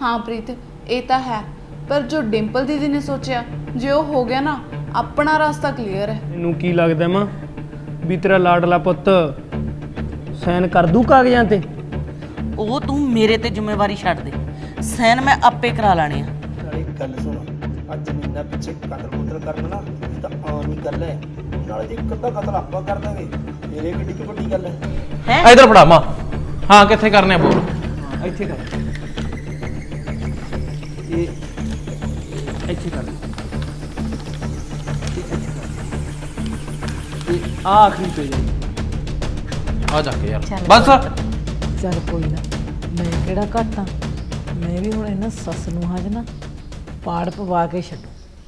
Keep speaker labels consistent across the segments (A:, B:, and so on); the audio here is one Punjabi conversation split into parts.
A: हाँ प्रीत ये तो है, पर जो डिंपल दीदी ने सोचा जे वो हो गया ना, अपना रास्ता क्लीयर है।
B: तैनूं की लगदा मां भी तेरा लाडला पुੱਤ साइन कर दू कागजां ते?
C: ਉਹ ਤੂੰ ਮੇਰੇ ਤੇ ਜ਼ਿੰਮੇਵਾਰੀ ਛੱਡ ਦੇ, ਸੈਨ ਮੈਂ ਆਪੇ ਕਰਾ ਲੈਣੇ ਆ।
D: ਨਾਲੇ ਇੱਕ ਗੱਲ ਸੁਣ, ਅੱਜ ਮਹੀਨਾ ਪਿੱਛੇ ਕਤਲ ਕਰਨਾ ਨਾ ਇਹ ਤਾਂ ਆਮ ਹੀ ਗੱਲ ਹੈ। ਨਾਲੇ ਜੇ ਇੱਕ ਅੱਧਾ ਕਤਲ ਆਪਾਂ ਕਰ ਦਾਂਗੇ ਤੇਰੇ ਕਿੱਡੀ ਕੁ ਵੱਡੀ ਗੱਲ ਹੈ।
E: ਇਧਰ ਫੜਾ ਮਾਂ। ਹਾਂ ਕਿੱਥੇ ਕਰਨੇ ਆ ਬੋਲ।
B: ਇੱਥੇ ਕਰ, ਇਹ ਇੱਥੇ ਕਰ, ਇਹ ਆਖਰੀ ਤੇ ਜਾਈ।
E: ਆ ਜਾ ਕੇ ਯਾਰ
F: ਚੱਲ।
E: ਬਸ।
F: ਚੱਲ ਕੋਈ ਨਾ, ਮੈਂ ਕਿਹੜਾ ਘੱਟ ਆ, ਮੈਂ ਵੀ ਹੁਣ ਇਹਨਾਂ ਸੱਸ ਨੂੰ ਹਜ ਨਾ ਪਾੜ ਪਵਾ ਕੇ ਛੱਡੂ।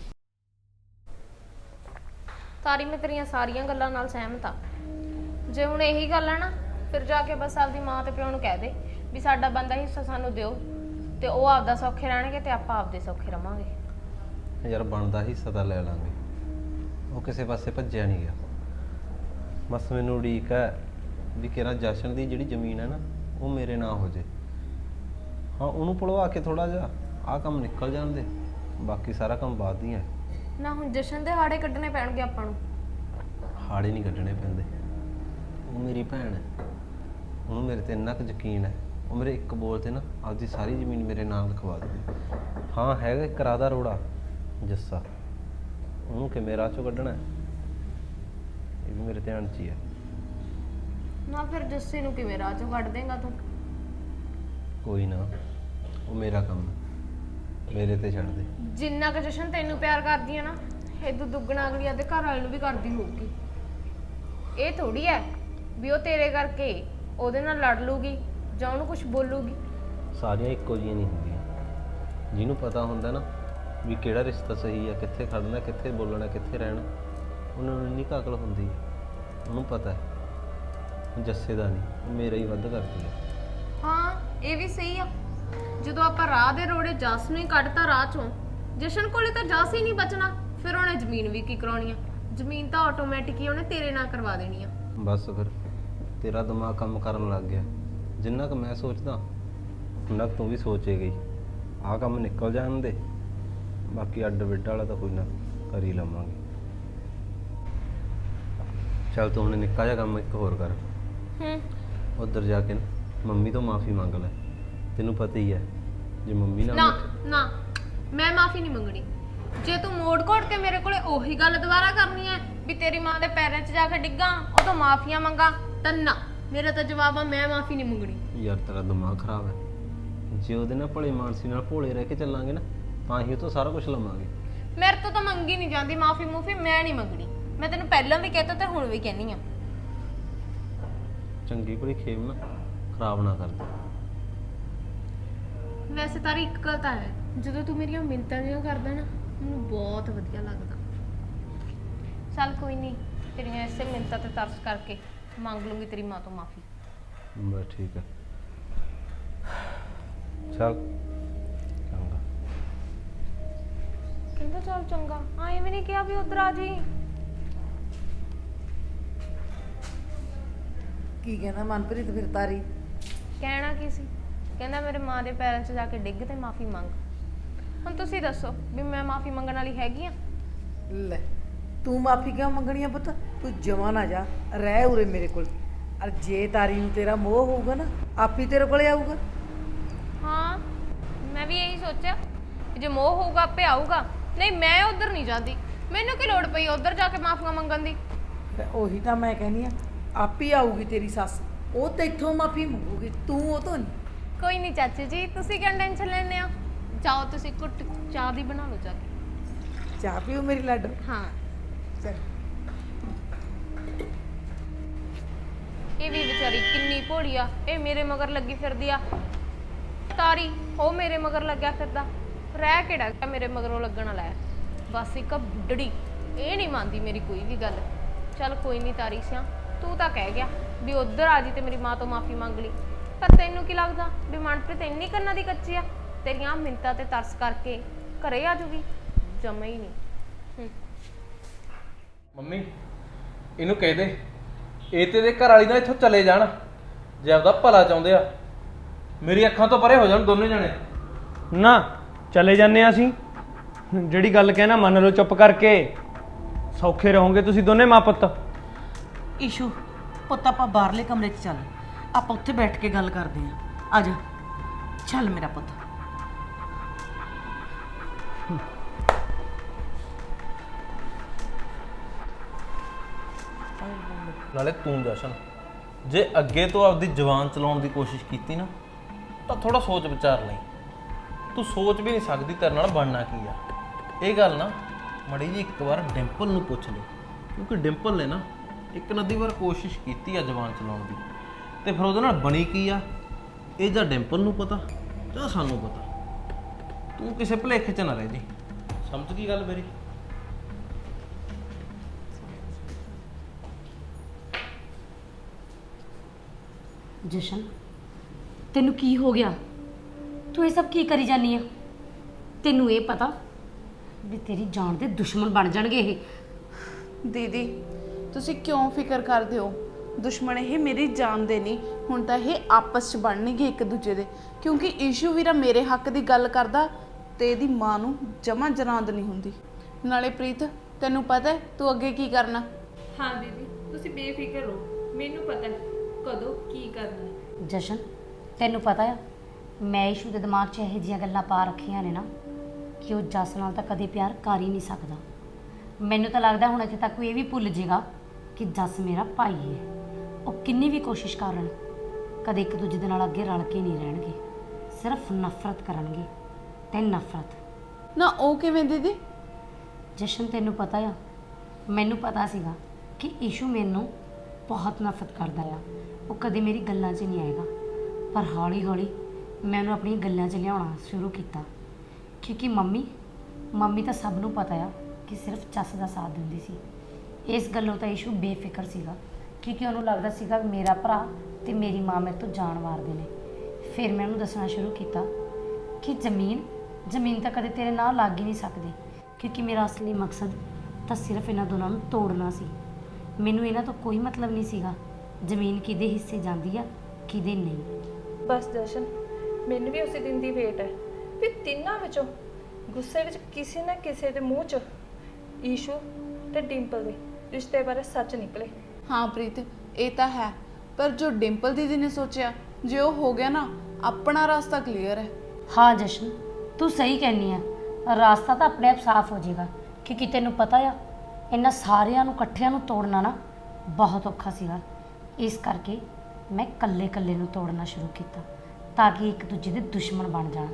G: ਤਾਰੀ ਮੈਂ ਤੇਰੀਆਂ ਸਾਰੀਆਂ ਗੱਲਾਂ ਨਾਲ ਸਹਿਮਤ ਆ। ਜੇ ਹੁਣ ਇਹੀ ਗੱਲ ਹੈ ਨਾ, ਫਿਰ ਜਾ ਕੇ ਬਸ ਆਪਦੀ ਮਾਂ ਤੇ ਪਿਓ ਨੂੰ ਕਹਿ ਦੇ ਵੀ ਸਾਡਾ ਬੰਦਾ ਹਿੱਸਾ ਸਾਨੂੰ ਦਿਓ, ਤੇ ਉਹ ਆਪਦਾ ਸੌਖੇ ਰਹਿਣਗੇ ਤੇ ਆਪਾਂ ਆਪਦੇ ਸੌਖੇ ਰਵਾਂਗੇ।
H: ਯਾਰ ਬਣਦਾ ਹਿੱਸਾ ਤਾਂ ਲੈ ਲਾਂਗੇ, ਉਹ ਕਿਸੇ ਪਾਸੇ ਭੱਜਿਆ ਨਹੀਂ ਗਿਆ। ਬਸ ਮੈਨੂੰ ਉਡੀਕ ਹੈ ਵੀ ਕਿਹੜਾ ਜਸ਼ਨ ਦੀ ਜਿਹੜੀ ਜ਼ਮੀਨ ਹੈ ਨਾ ਉਹ ਮੇਰੇ ਨਾਂ ਹੋ ਜੇ। ਹਾਂ ਉਹਨੂੰ ਪੜਵਾ ਕੇ ਥੋੜਾ ਜਿਹਾ ਆਹ ਕੰਮ ਨਿਕਲ ਜਾਂਦੇ, ਬਾਕੀ ਸਾਰਾ ਕੰਮ ਬਾਅਦ ਹੀ ਹੈ।
G: ਨਾ ਹੁਣ ਜਸ਼ਨ ਦੇ ਹਾੜੇ ਕੱਢਣੇ ਪੈਣਗੇ ਆਪਾਂ ਨੂੰ।
H: ਹਾੜੇ ਨਹੀਂ ਕੱਢਣੇ ਪੈਂਦੇ, ਉਹ ਮੇਰੀ ਭੈਣ ਹੈ, ਉਹਨੂੰ ਮੇਰੇ ਤੇ ਇੰਨਾ ਕੁ ਯਕੀਨ ਹੈ, ਉਹ ਮੇਰੇ ਇੱਕ ਬੋਲ ਤੇ ਨਾ ਆਪਦੀ ਸਾਰੀ ਜ਼ਮੀਨ ਮੇਰੇ ਨਾਮ ਲਿਖਵਾ ਦੇਵੇ। ਹਾਂ ਹੈਗਾ ਇੱਕ ਰਾਧਾ ਰੋੜਾ ਜੱਸਾ, ਉਹਨੂੰ ਕਿਵੇਂ ਰਾਹ ਚੋਂ ਕੱਢਣਾ ਹੈ ਇਹ ਵੀ ਮੇਰੇ ਧਿਆਨ 'ਚ ਹੀ ਹੈ।
G: ਨਾ ਫਿਰ ਜੱਸੇ ਨੂੰ ਕਿਵੇਂ ਰਾਹ ਚੋਂ ਕੱਢ ਦੇਂਗਾ ਤੂੰ?
H: ਕੋਈ ਨਾ, ਉਹ ਮੇਰਾ ਕੰਮ ਹੈ, ਮੇਰੇ ਤੇ ਛੱਡ ਦੇ।
G: ਜਿੰਨਾ ਕੁ ਜਸ਼ਨ ਤੈਨੂੰ ਪਿਆਰ ਕਰਦੀ ਆ ਨਾ, ਇਦੋਂ ਦੁੱਗਣਾ ਅਗਲੀ ਆਦੇ ਘਰ ਵਾਲੇ ਨੂੰ ਵੀ ਕਰਦੀ ਹੋਊਗੀ। ਇਹ ਥੋੜੀ ਹੈ ਵੀ ਉਹ ਤੇਰੇ ਕਰਕੇ ਉਹਦੇ ਨਾਲ ਲੜ ਲੂਗੀ ਜਾਂ ਉਹਨੂੰ ਕੁਝ ਬੋਲੂਗੀ।
H: ਸਾਰੀਆਂ ਇੱਕੋ ਜਿਹੀਆਂ ਨਹੀਂ ਹੁੰਦੀਆਂ। ਜਿਹਨੂੰ ਪਤਾ ਹੁੰਦਾ ਨਾ ਵੀ ਕਿਹੜਾ ਰਿਸ਼ਤਾ ਸਹੀ ਹੈ, ਕਿੱਥੇ ਖੜਨਾ, ਕਿੱਥੇ ਬੋਲਣਾ, ਕਿੱਥੇ ਰਹਿਣਾ, ਉਹਨਾਂ ਨੂੰ ਇੰਨੀ ਕੁ ਅਕਲ ਹੁੰਦੀ ਹੈ। ਉਹਨੂੰ ਪਤਾ ਹੈ ਜੱਸੇ ਦਾ ਨਹੀਂ, ਉਹ ਮੇਰਾ ਹੀ ਵੱਧ ਕਰਦੀ ਹੈ।
G: ਹਾਂ ਇਹ ਵੀ ਸਹੀ ਆ। ਜਦੋਂ ਆਪਾਂ ਰਾਹ ਦੇ ਰੋੜੇ ਜੱਸ ਨੂੰ ਹੀ ਕੱਢਤਾ ਰਾਹ ਚੋਂ, ਜਸ਼ਨ ਕੋਲੇ ਤਾਂ ਜੱਸ ਹੀ ਨਹੀਂ ਬਚਣਾ, ਫਿਰ ਉਹਨੇ ਜ਼ਮੀਨ ਵੀ ਕੀ ਕਰਾਉਣੀ ਆ? ਜ਼ਮੀਨ ਤਾਂ ਆਟੋਮੈਟਿਕ ਹੀ ਉਹਨੇ ਤੇਰੇ ਨਾਲ ਕਰਵਾ ਦੇਣੀ ਆ।
H: ਬਸ ਫਿਰ ਤੇਰਾ ਦਿਮਾਗ ਕੰਮ ਕਰਨ ਲੱਗ ਗਿਆ। ਜਿੰਨਾ ਕੁ ਮੈਂ ਸੋਚਦਾ ਉਨਾ ਕੁ ਤੂੰ ਵੀ ਸੋਚੇ ਗਈ। ਆਹ ਕੰਮ ਨਿਕਲ ਜਾਣ ਦੇ, ਬਾਕੀ ਅੱਡ ਬਿੱਡ ਵਾਲਾ ਤਾਂ ਕੋਈ ਨਾ ਕਰ ਹੀ ਲਵਾਂਗੇ। ਚੱਲ ਤੂੰ ਹੁਣ ਨਿੱਕਾ ਜਿਹਾ ਕੰਮ ਇੱਕ ਹੋਰ ਕਰ। ਉੱਧਰ ਜਾ ਕੇ ਨਾ ਮੰਮੀ ਤੋਂ ਮਾਫੀ ਮੰਗ ਲੈ। ਤੈਨੂੰ ਪਤਾ ਹੀ ਹੈ ਜੇ ਮੰਮੀ ਨਾਲ
G: ਨਾ ਮੈਂ ਮਾਫੀ ਨਹੀਂ ਮੰਗਣੀ। ਜੇ ਤੂੰ ਮੋੜ ਕੋੜ ਕੇ ਮੇਰੇ ਕੋਲੇ ਉਹੀ ਗੱਲ ਦੁਬਾਰਾ ਕਰਨੀ ਹੈ ਵੀ ਤੇਰੀ ਮਾਂ ਦੇ ਪੈਰਾਂ 'ਚ ਜਾ ਕੇ ਡਿੱਗਾ ਉਹ ਤੋਂ ਮਾਫੀਆਂ ਮੰਗਾ, ਤਾਂ ਨਾ, ਮੇਰਾ ਤਾਂ ਜਵਾਬ ਆ ਮੈਂ ਮਾਫੀ ਨਹੀਂ ਮੰਗਣੀ।
H: ਯਾਰ ਤੇਰਾ ਦਿਮਾਗ ਖਰਾਬ ਹੈ। ਜੇ ਉਹਦੇ ਨਾਲ ਭਲੇ ਮਾਨਸੀ ਨਾਲ ਭੋਲੇ ਰਹਿ ਕੇ ਚੱਲਾਂਗੇ ਨਾ ਤਾਂ ਹੀ ਉਹ ਤੋਂ ਸਾਰਾ ਕੁਝ ਲਵਾਂਗੇ।
G: ਮੇਰੇ ਤੋਂ ਤਾਂ ਮੰਗੀ ਨਹੀਂ ਜਾਂਦੀ ਮਾਫੀ ਮੂਫੀ, ਮੈਂ ਨਹੀਂ ਮੰਗਣੀ। ਮੈਂ ਤੈਨੂੰ ਪਹਿਲਾਂ ਵੀ ਕਹਿਤਾ ਤੇ ਹੁਣ ਵੀ ਕਹਿੰਨੀ ਆ।
H: ਚੰਗੀ ਭਲੀ ਖੇਮ ਨਾ ਖਰਾਬ ਨਾ ਕਰ ਦੇ।
G: ਵੈਸੇ ਤਾਰੀ ਇੱਕ ਗੱਲ ਤਾਂ ਹੈ, ਜਦੋਂ ਤੂੰ ਮੇਰੀਆਂ ਮਿੰਨਤਾਂ ਜਿਹੀਆਂ ਕਰਦਾ ਨਾ ਮੈਨੂੰ ਬਹੁਤ ਵਧੀਆ ਲੱਗਦਾ। ਚੱਲ ਕੋਈ ਨਹੀਂ, ਤੇਰੀਆਂ ਇਸੇ ਮਿੰਨਤਾਂ ਤੇ ਤਰਸ ਕਰਕੇ ਮੰਗ ਲੂੰਗੀ ਤੇਰੀ ਮਾਂ ਤੋਂ ਮਾਫੀ।
H: ਬਸ ਠੀਕ ਹੈ, ਚੱਲ ਚੰਗਾ।
G: ਕਹਿੰਦਾ ਚੱਲ ਚੰਗਾ, ਐਵੇਂ ਵੀ ਨਹੀਂ ਕਿਹਾ ਵੀ ਉਧਰ ਆ ਜੀ।
F: ਕੀ ਕਹਿੰਦਾ ਮਨਪ੍ਰੀਤ ਫਿਰ ਤਾਰੀ?
G: ਕਹਿਣਾ ਕੀ ਸੀ? ਕਹਿੰਦਾ ਮੇਰੇ ਮਾਂ ਦੇ ਪੈਰਾਂ 'ਚ ਜਾ ਕੇ ਡਿੱਗ ਤੇ ਮਾਫੀ ਮੰਗ। ਹੁਣ ਤੁਸੀਂ ਦੱਸੋ ਵੀ ਮੈਂ ਮਾਫੀ ਮੰਗਣ ਵਾਲੀ ਹੈਗੀ ਆ?
F: ਲੈ ਤੂੰ ਮਾਫੀ ਕਿਉਂ ਮੰਗਣੀ ਆ ਪੁੱਤ? ਤੂੰ ਜਮਾਂ ਨਾ ਜਾ, ਰਹਿ ਉਰੇ ਮੇਰੇ ਕੋਲ। ਅਰ ਜੇ ਤਾਰੀ ਨੂੰ ਤੇਰਾ ਮੋਹ ਹੋਊਗਾ ਨਾ ਆਪੀ ਤੇਰੇ ਕੋਲੇ ਆਊਗਾ।
G: ਹਾਂ ਮੈਂ ਵੀ ਇਹੀ ਸੋਚਿਆ ਕਿ ਜੇ ਮੋਹ ਹੋਊਗਾ ਆਪੇ ਆਊਗਾ। ਨਹੀਂ ਮੈਂ ਉਧਰ ਨਹੀਂ ਜਾਂਦੀ, ਮੈਨੂੰ ਕੀ ਲੋੜ ਪਈ ਉਧਰ ਜਾ ਕੇ ਮਾਫੀਆਂ ਮੰਗਣ ਦੀ।
F: ਉਹੀ ਤਾਂ ਮੈਂ ਕਹਿੰਦੀ ਆ, ਆਪੀ ਆਊਗੀ ਤੇਰੀ ਸੱਸ, ਉਹ ਤੇਥੋਂ ਮਾਫੀ ਮੰਗੂਗੀ, ਤੂੰ ਉਹ ਤੋਂ ਨਹੀਂ।
G: ਕੋਈ ਨਹੀਂ ਚਾਚੀ ਜੀ, ਤੁਸੀਂ ਕਿਉਂ ਟੈਨਸ਼ਨ ਲੈਂਦੇ ਹੋ? ਜਾਓ ਤੁਸੀਂ ਘੁੱਟ ਚਾਹ ਦੀ ਬਣਾ ਲਓ ਜਾ ਕੇ।
F: ਚਾਹ ਪੀਓ ਮੇਰੀ ਲਾਡੋ।
G: ਹਾਂ
F: ਚੱਲ
G: ਇਹ ਵੀ ਵਿਚਾਰੀ ਕਿੰਨੀ ਭੋਲੀ ਆ, ਇਹ ਮੇਰੇ ਮਗਰ ਲੱਗੀ ਫਿਰਦੀ ਆ। ਤਾਰੀ ਉਹ ਮੇਰੇ ਮਗਰ ਲੱਗਿਆ ਫਿਰਦਾ, ਰਹਿ ਕਿਹੜਾ ਗਿਆ ਮੇਰੇ ਮਗਰੋਂ ਲੱਗਣ ਵਾਲਾ ਹੈ। ਬਸ ਇੱਕ ਬੁੱਢੜੀ, ਇਹ ਨਹੀਂ ਮੰਨਦੀ ਮੇਰੀ ਕੋਈ ਵੀ ਗੱਲ। ਚੱਲ ਕੋਈ ਨਹੀਂ ਤਾਰੀ ਸਿਆ, ਤੂੰ ਤਾਂ ਕਹਿ ਗਿਆ ਵੀ ਉਧਰ ਆ ਜੀ ਤੇ ਮੇਰੀ ਮਾਂ ਤੋਂ ਮਾਫੀ ਮੰਗ ਲਈ, ਪਰ ਤੈਨੂੰ ਕੀ ਲੱਗਦਾ ਵੀ ਮਨਪ੍ਰੀਤ ਇੰਨੀ ਕੰਨਾਂ ਦੀ ਕੱਚੀ ਆ? ਤੇਰੀਆਂ ਮਿੰਤਾਂ ਤੇ ਤਰਸ ਕਰਕੇ ਘਰੇ ਆ ਜੂਗੀ? ਜਮਾ ਹੀ ਨਹੀਂ।
E: ਮੰਮੀ ਇਹਨੂੰ ਕਹਿ ਦੇ ਇਹ ਤੇ ਦੇ ਘਰ ਵਾਲੀ ਨਾਲ ਇੱਥੋਂ ਚਲੇ ਜਾਣ, ਜੇ ਆਪਦਾ ਭਲਾ ਚਾਹੁੰਦੇ ਆ। ਮੇਰੀ ਅੱਖਾਂ ਤੋਂ ਪਰੇ ਹੋ ਜਾਣ ਦੋਨੇ ਜਣੇ।
B: ਨਾ ਚਲੇ ਜਾਂਦੇ ਆ ਅਸੀਂ। ਜਿਹੜੀ ਗੱਲ ਕਹਿਣਾ ਮੰਨ ਲਓ ਚੁੱਪ ਕਰਕੇ। ਸੌਖੇ ਰਹੋਗੇ ਤੁਸੀਂ ਦੋਨੇ ਮਾਂ ਪੁੱਤ।
C: ਈਸ਼ੂ ਪੁੱਤ ਆਪਾਂ ਬਾਹਰਲੇ ਕਮਰੇ 'ਚ ਚੱਲ, ਆਪਾਂ ਉੱਥੇ ਬੈਠ ਕੇ ਗੱਲ ਕਰਦੇ ਆਂ। ਆ ਜਾ ਚੱਲ ਮੇਰਾ ਪੁੱਤ।
H: ਨਾਲੇ ਤੂੰ ਜਸ਼ਨ, ਜੇ ਅੱਗੇ ਤੋਂ ਆਪਦੀ ਜ਼ੁਬਾਨ ਚਲਾਉਣ ਦੀ ਕੋਸ਼ਿਸ਼ ਕੀਤੀ ਨਾ ਤਾਂ ਥੋੜਾ ਸੋਚ ਵਿਚਾਰ ਲਈ। ਤੂੰ ਸੋਚ ਵੀ ਨਹੀਂ ਸਕਦੀ ਤੇਰੇ ਨਾਲ ਬਣਨਾ ਕੀ ਆ। ਇਹ ਗੱਲ ਨਾ ਮੜੀ ਜੀ ਇੱਕ ਵਾਰ ਡਿੰਪਲ ਨੂੰ ਪੁੱਛ ਲਈ, ਕਿਉਂਕਿ ਡਿੰਪਲ ਨੇ ਨਾ ਇੱਕ ਨਦੀ ਵਾਰ ਕੋਸ਼ਿਸ਼ ਕੀਤੀ ਆ ਜ਼ੁਬਾਨ ਚਲਾਉਣ ਦੀ, ਤੇ ਫਿਰ ਉਹਦੇ ਨਾਲ ਬਣੀ ਕੀ ਆ ਇਹ ਜਾਂ ਡਿੰਪਲ ਨੂੰ ਪਤਾ ਜਾਂ ਸਾਨੂੰ ਪਤਾ। ਤੂੰ ਕਿਸੇ ਭੁਲੇਖੇ 'ਚ ਨਾ ਰਹਿ ਜੀ, ਸਮਝ ਗਈ ਗੱਲ ਮੇਰੀ?
I: ਜਸ਼ਨ ਤੈਨੂੰ ਕੀ ਹੋ ਗਿਆ? ਤੂੰ ਇਹ ਸਭ ਕੀ ਕਰੀ ਜਾਨੀ ਆ? ਤੈਨੂੰ ਇਹ ਪਤਾ ਵੀ ਤੇਰੀ ਜਾਨ ਦੇ ਦੁਸ਼ਮਣ ਬਣ ਜਾਣਗੇ ਇਹ।
A: ਦੀਦੀ ਤੁਸੀਂ ਕਿਉਂ ਫਿਕਰ ਕਰਦੇ ਹੋ? ਦੁਸ਼ਮਣ ਇਹ ਮੇਰੀ ਜਾਨ ਦੇ ਨਹੀਂ, ਹੁਣ ਤਾਂ ਇਹ ਆਪਸ 'ਚ ਬਣਨਗੇ ਇੱਕ ਦੂਜੇ ਦੇ। ਕਿਉਂਕਿ ਈਸ਼ੂ ਵੀਰਾ ਮੇਰੇ ਹੱਕ ਦੀ ਗੱਲ ਕਰਦਾ ਤੇ ਇਹਦੀ ਮਾਂ ਨੂੰ ਜਮਾਂ ਜਨਾਂਦ ਨਹੀਂ ਹੁੰਦੀ। ਨਾਲੇ ਪ੍ਰੀਤ ਤੈਨੂੰ ਪਤਾ ਹੈ ਤੂੰ ਅੱਗੇ ਕੀ ਕਰਨਾ?
G: ਹਾਂ ਦੀਦੀ ਤੁਸੀਂ ਬੇਫਿਕਰ ਰਹੋ, ਮੈਨੂੰ ਪਤਾ ਹੈ ਕਦੋਂ ਕੀ ਕਰਨਾ ਹੈ।
I: ਜਸ਼ਨ ਤੈਨੂੰ ਪਤਾ ਆ ਮੈਂ ਈਸ਼ੂ ਦੇ ਦਿਮਾਗ 'ਚ ਇਹੋ ਜਿਹੀਆਂ ਗੱਲਾਂ ਪਾ ਰੱਖੀਆਂ ਨੇ ਨਾ ਕਿ ਉਹ ਜਸ ਨਾਲ ਤਾਂ ਕਦੇ ਪਿਆਰ ਕਰ ਹੀ ਨਹੀਂ ਸਕਦਾ। ਮੈਨੂੰ ਤਾਂ ਲੱਗਦਾ ਹੁਣ ਇੱਥੇ ਤੱਕ ਉਹ ਇਹ ਵੀ ਭੁੱਲ ਜਾਏਗਾ ਕਿ ਜਸ ਮੇਰਾ ਭਾਈ ਹੈ। ਉਹ ਕਿੰਨੀ ਵੀ ਕੋਸ਼ਿਸ਼ ਕਰਨ ਕਦੇ ਇੱਕ ਦੂਜੇ ਦੇ ਨਾਲ ਅੱਗੇ ਰਲ ਕੇ ਨਹੀਂ ਰਹਿਣਗੇ, ਸਿਰਫ ਨਫ਼ਰਤ ਕਰਨਗੇ ਤੇ ਨਫ਼ਰਤ।
A: ਨਾ ਉਹ ਕਿਵੇਂ ਦੀਦੀ?
I: ਜਸ਼ਨ ਤੈਨੂੰ ਪਤਾ ਆ ਮੈਨੂੰ ਪਤਾ ਸੀਗਾ ਕਿ ਈਸ਼ੂ ਮੈਨੂੰ ਬਹੁਤ ਨਫ਼ਰਤ ਕਰਦਾ ਆ। ਉਹ ਕਦੇ ਮੇਰੀ ਗੱਲਾਂ 'ਚ ਨਹੀਂ ਆਏਗਾ, ਪਰ ਹੌਲੀ ਹੌਲੀ ਮੈਂ ਉਹਨੂੰ ਆਪਣੀਆਂ ਗੱਲਾਂ 'ਚ ਲਿਆਉਣਾ ਸ਼ੁਰੂ ਕੀਤਾ। ਕਿਉਂਕਿ ਮੰਮੀ ਤਾਂ ਸਭ ਨੂੰ ਪਤਾ ਆ ਕਿ ਸਿਰਫ ਜੱਸ ਦਾ ਸਾਥ ਦਿੰਦੀ ਸੀ। ਇਸ ਗੱਲੋਂ ਤਾਂ ਈਸ਼ੂ ਬੇਫਿਕਰ ਸੀਗਾ, ਕਿਉਂਕਿ ਉਹਨੂੰ ਲੱਗਦਾ ਸੀਗਾ ਕਿ ਮੇਰਾ ਭਰਾ ਤੇ ਮੇਰੀ ਮਾਂ ਮੇਰੇ ਤੋਂ ਜਾਨ ਮਾਰਦੇ ਨੇ। ਫਿਰ ਮੈਂ ਉਹਨੂੰ ਦੱਸਣਾ ਸ਼ੁਰੂ ਕੀਤਾ ਕਿ ਜ਼ਮੀਨ ਤਾਂ ਕਦੇ ਤੇਰੇ ਨਾਲ ਲੱਗ ਹੀ ਨਹੀਂ ਸਕਦੀ, ਕਿਉਂਕਿ ਮੇਰਾ ਅਸਲੀ ਮਕਸਦ ਤਾਂ ਸਿਰਫ ਇਹਨਾਂ ਦੋਨਾਂ ਨੂੰ ਤੋੜਨਾ ਸੀ। ਮੈਨੂੰ ਇਹਨਾਂ ਤੋਂ ਕੋਈ ਮਤਲਬ ਨਹੀਂ ਸੀਗਾ ਜ਼ਮੀਨ ਕਿਹਦੇ ਹਿੱਸੇ ਜਾਂਦੀ ਆ ਕਿਹਦੇ ਨਹੀਂ।
G: ਬਸ ਜਸ਼ਨ ਮੈਨੂੰ ਵੀ ਉਸੇ ਦਿਨ ਦੀ ਵੇਟ ਹੈ ਵੀ ਤਿੰਨਾਂ ਵਿੱਚੋਂ ਗੁੱਸੇ ਵਿੱਚ ਕਿਸੇ ਨਾ ਕਿਸੇ ਦੇ ਮੂੰਹ 'ਚ ਈਸ਼ੂ ਤੇ ਡਿੰਪਲ ਦੇ ਰਿਸ਼ਤੇ ਬਾਰੇ ਸੱਚ ਨਿਕਲੇ।
A: ਹਾਂ ਪ੍ਰੀਤ ਇਹ ਤਾਂ ਹੈ, ਪਰ ਜੋ ਡਿੰਪਲ ਦੀਦੀ ਨੇ ਸੋਚਿਆ ਜੇ ਉਹ ਹੋ ਗਿਆ ਨਾ ਆਪਣਾ ਰਸਤਾ ਕਲੀਅਰ ਹੈ।
I: ਹਾਂ ਜਸ਼ਨ ਤੂੰ ਸਹੀ ਕਹਿੰਦੀ ਆ, ਰਾਸਤਾ ਤਾਂ ਆਪਣੇ ਆਪ ਸਾਫ਼ ਹੋ ਜਾਏਗਾ। ਕਿਉਂਕਿ ਤੈਨੂੰ ਪਤਾ ਆ ਇਹਨਾਂ ਸਾਰਿਆਂ ਨੂੰ ਇਕੱਠਿਆਂ ਨੂੰ ਤੋੜਨਾ ਨਾ ਬਹੁਤ ਔਖਾ ਸੀਗਾ। ਇਸ ਕਰਕੇ ਮੈਂ ਇਕੱਲੇ ਨੂੰ ਤੋੜਨਾ ਸ਼ੁਰੂ ਕੀਤਾ ਤਾਂ ਕਿ ਇੱਕ ਦੂਜੇ ਦੇ ਦੁਸ਼ਮਣ ਬਣ ਜਾਣ।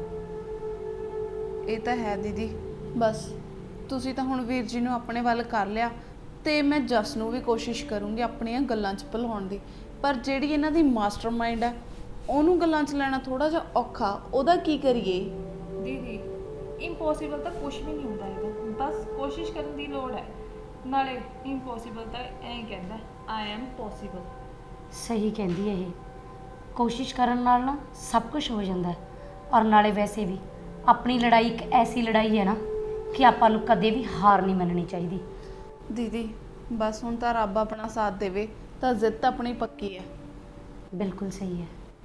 A: ਇਹ ਤਾਂ ਹੈ ਦੀਦੀ, ਬਸ ਤੁਸੀਂ ਤਾਂ ਹੁਣ ਵੀਰ ਜੀ ਨੂੰ ਆਪਣੇ ਵੱਲ ਕਰ ਲਿਆ ਤੇ ਮੈਂ ਜਸ ਨੂੰ ਵੀ ਕੋਸ਼ਿਸ਼ ਕਰੂੰਗੀ ਆਪਣੀਆਂ ਗੱਲਾਂ 'ਚ ਭੁਲਾਉਣ ਦੀ। ਪਰ ਜਿਹੜੀ ਇਹਨਾਂ ਦੀ ਮਾਸਟਰਮਾਈਂਡ ਹੈ ਉਹਨੂੰ ਗੱਲਾਂ 'ਚ ਲੈਣਾ ਥੋੜਾ ਜਿਹਾ ਔਖਾ। ਉਹਦਾ ਕੀ ਕਰੀਏ?
G: ਦੀਦੀ ਇੰਪੋਸੀਬਲ ਤਾਂ ਕੁਝ ਵੀ ਨਹੀਂ ਹੁੰਦਾ ਹੈਗਾ, ਬਸ ਕੋਸ਼ਿਸ਼ ਕਰਨ ਦੀ ਲੋੜ ਹੈ। ਨਾਲੇ ਇੰਪੋਸੀਬਲ ਤਾਂ ਐਂ ਕਹਿੰਦਾ ਆਈ ਐਮ ਪੋਸੀਬਲ।
I: ਸਹੀ ਕਹਿੰਦੀ ਹੈ ਇਹ, ਕੋਸ਼ਿਸ਼ ਕਰਨ ਨਾਲ ਨਾ ਸਭ ਕੁਝ ਹੋ ਜਾਂਦਾ ਹੈ। ਔਰ ਨਾਲੇ ਵੈਸੇ ਵੀ ਆਪਣੀ ਲੜਾਈ ਇੱਕ ਐਸੀ ਲੜਾਈ ਹੈ ਨਾ ਕਿ ਆਪਾਂ ਨੂੰ ਕਦੇ ਵੀ ਹਾਰ ਨਹੀਂ ਮੰਨਣੀ ਚਾਹੀਦੀ।
A: ਦੀਦੀ ਬਸ ਹੁਣ ਤਾਂ ਰੱਬ ਆਪਣਾ ਸਾਥ ਦੇਵੇ ਤਾਂ ਜਿੱਤ ਆਪਣੀ ਪੱਕੀ ਹੈ।
I: ਬਿਲਕੁਲ ਸਹੀ ਹੈ।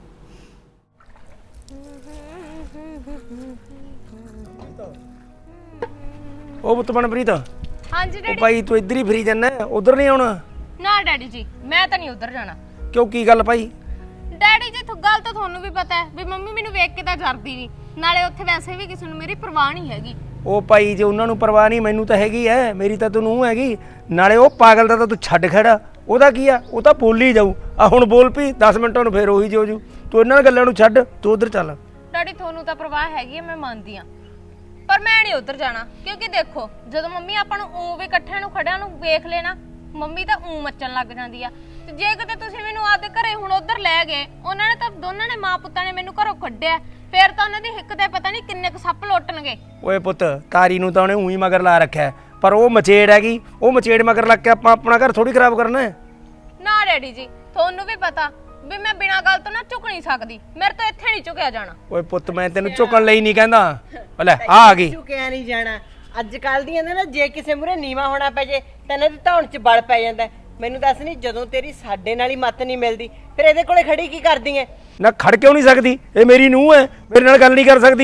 D: ਉਹ ਪੁੱਤ ਮਨਪ੍ਰੀਤ, ਉਹ
G: ਹਾਂਜੀ ਡੈਡੀ।
D: ਭਾਈ ਤੂੰ ਇੱਧਰ ਹੀ ਫਰੀ ਜਾਂਦਾ, ਉਧਰ ਨਹੀਂ ਆਉਣਾ?
G: ਨਾ ਡੈਡੀ ਜੀ ਮੈਂ ਤਾਂ ਨਹੀਂ ਉਧਰ ਜਾਣਾ।
D: ਕਿਉਂ ਕੀ ਗੱਲ ਭਾਈ?
G: ਡੈਡੀ ਜੀ ਗੱਲ ਤਾਂ ਤੁਹਾਨੂੰ ਵੀ ਪਤਾ ਹੈ ਵੀ ਮੰਮੀ ਮੈਨੂੰ ਵੇਖ ਕੇ ਤਾਂ ਜਰਦੀ ਨਹੀਂ, ਨਾਲੇ ਉੱਥੇ ਵੈਸੇ ਵੀ ਕਿਸੇ ਨੂੰ ਮੇਰੀ ਪਰਵਾਹ ਨਹੀਂ ਹੈਗੀ।
D: ਉਹ ਭਾਈ ਜੇ ਉਹਨਾਂ ਨੂੰ ਪਰਵਾਹ ਨਹੀਂ ਮੈਨੂੰ ਤਾਂ ਹੈਗੀ ਐ, ਮੇਰੀ ਤਾਂ ਤੈਨੂੰ ਹੈਗੀ। ਨਾਲੇ ਉਹ ਪਾਗਲ ਦਾ ਤਾਂ ਤੂੰ ਛੱਡ ਖੜਾ, ਉਹਦਾ ਕੀ ਆ, ਉਹ ਤਾਂ ਬੋਲ ਹੀ ਜਾਊ। ਆ ਹੁਣ ਬੋਲ ਪਈ 10 ਮਿੰਟਾਂ ਨੂੰ ਫੇਰ ਉਹੀ ਜੋ ਜੂ। ਤੂੰ ਇਹਨਾਂ ਗੱਲਾਂ ਨੂੰ ਛੱਡ, ਤੂੰ ਉਧਰ ਚੱਲ।
G: ਡੈਡੀ ਤੁਹਾਨੂੰ ਤਾਂ ਪਰਵਾਹ ਹੈਗੀ ਹੈ ਮੈਂ ਮੰਨਦੀ ਆ, ਪਰ ਮੈਂ ਨਹੀਂ ਉਧਰ ਜਾਣਾ। ਕਿਉਂਕਿ ਦੇਖੋ ਜਦੋਂ ਮੰਮੀ ਆਪਾਂ ਨੂੰ ਊਂ ਵੀ ਇਕੱਠਿਆਂ ਨੂੰ ਖੜਿਆਂ ਨੂੰ ਵੇਖ ਲੈਣਾ, ਮੰਮੀ ਤਾਂ ਊਂ ਮੱਚਣ ਲੱਗ ਜਾਂਦੀ ਆ। ਤੇ ਜੇ ਕਿਤੇ ਤੁਸੀਂ ਮੈਨੂੰ ਆਪਦੇ ਘਰੇ ਹੁਣ ਉਧਰ ਲੈ ਗਏ, ਉਹਨਾਂ ਨੇ ਤਾਂ ਦੋਨਾਂ ਨੇ ਮਾਂ ਪੁੱਤਾਂ ਨੇ ਮੈਨੂੰ ਘਰੋਂ ਕੱਢਿਆ, ਫੇਰ ਤਾਂ ਉਹਨਾਂ ਦੀ ਹਿੱਕ ਤੇ ਪਤਾ ਨਹੀਂ ਕਿੰਨੇ ਕੁ ਸੱਪ ਲੁੱਟਣਗੇ।
D: ਓਏ ਪੁੱਤ ਤਾਰੀ ਨੂੰ ਤਾਂ ਉਹਨੇ ਊਂ ਹੀ ਮਗਰ ਲਾ ਰੱਖਿਆ, ਪਰ ਉਹ ਮਚੇੜ ਹੈਗੀ, ਉਹ ਮਚੇੜ ਮਗਰ ਲੱਗ ਕੇ ਆਪਾਂ ਆਪਣਾ ਘਰ ਥੋੜੀ ਖਰਾਬ ਕਰਨਾ ਹੈ।
G: ਨਾ ਡੈਡੀ ਜੀ ਤੁਹਾਨੂੰ ਵੀ ਪਤਾ ਵੀ ਮੈਂ ਬਿਨਾਂ ਗੱਲ ਤੋਂ ਨਾ ਝੁਕ ਨਹੀਂ ਸਕਦੀ, ਮੇਰੇ ਤੋਂ ਇੱਥੇ ਨਹੀਂ ਝੁਕਿਆ ਜਾਣਾ।
D: ਓਏ ਪੁੱਤ ਮੈਂ ਤੈਨੂੰ ਝੁਕਣ ਲਈ ਨਹੀਂ ਕਹਿੰਦਾ। ਲੈ ਆ ਗਈ।
J: ਝੁਕਿਆ ਨਹੀਂ ਜਾਣਾ। ਅੱਜ ਕੱਲ ਦੀਆਂ ਨਾ ਜੇ ਕਿਸੇ ਮੂਹਰੇ ਨੀਵਾ ਹੋਣਾ ਪੈ ਜੇ ਤਾਂ ਇਹਨਾਂ ਦੀ ਧੌਣ 'ਚ ਬਲ ਪੈ ਜਾਂਦਾ। ਮੈਨੂੰ ਦੱਸ ਨਹੀਂ ਜਦੋਂ ਤੇਰੀ ਸਾਡੇ ਨਾਲ ਹੀ ਮੱਤ ਨਹੀਂ ਮਿਲਦੀ ਫਿਰ ਇਹਦੇ ਕੋਲੇ ਖੜੀ ਕੀ ਕਰਦੀ ਐ?
D: ਨਾ ਖੜ ਕਿਉਂ ਨਹੀਂ ਸਕਦੀ? ਇਹ ਮੇਰੀ ਨੂੰਹ ਹੈ, ਮੇਰੇ ਨਾਲ ਗੱਲ ਨਹੀਂ ਕਰ ਸਕਦੀ।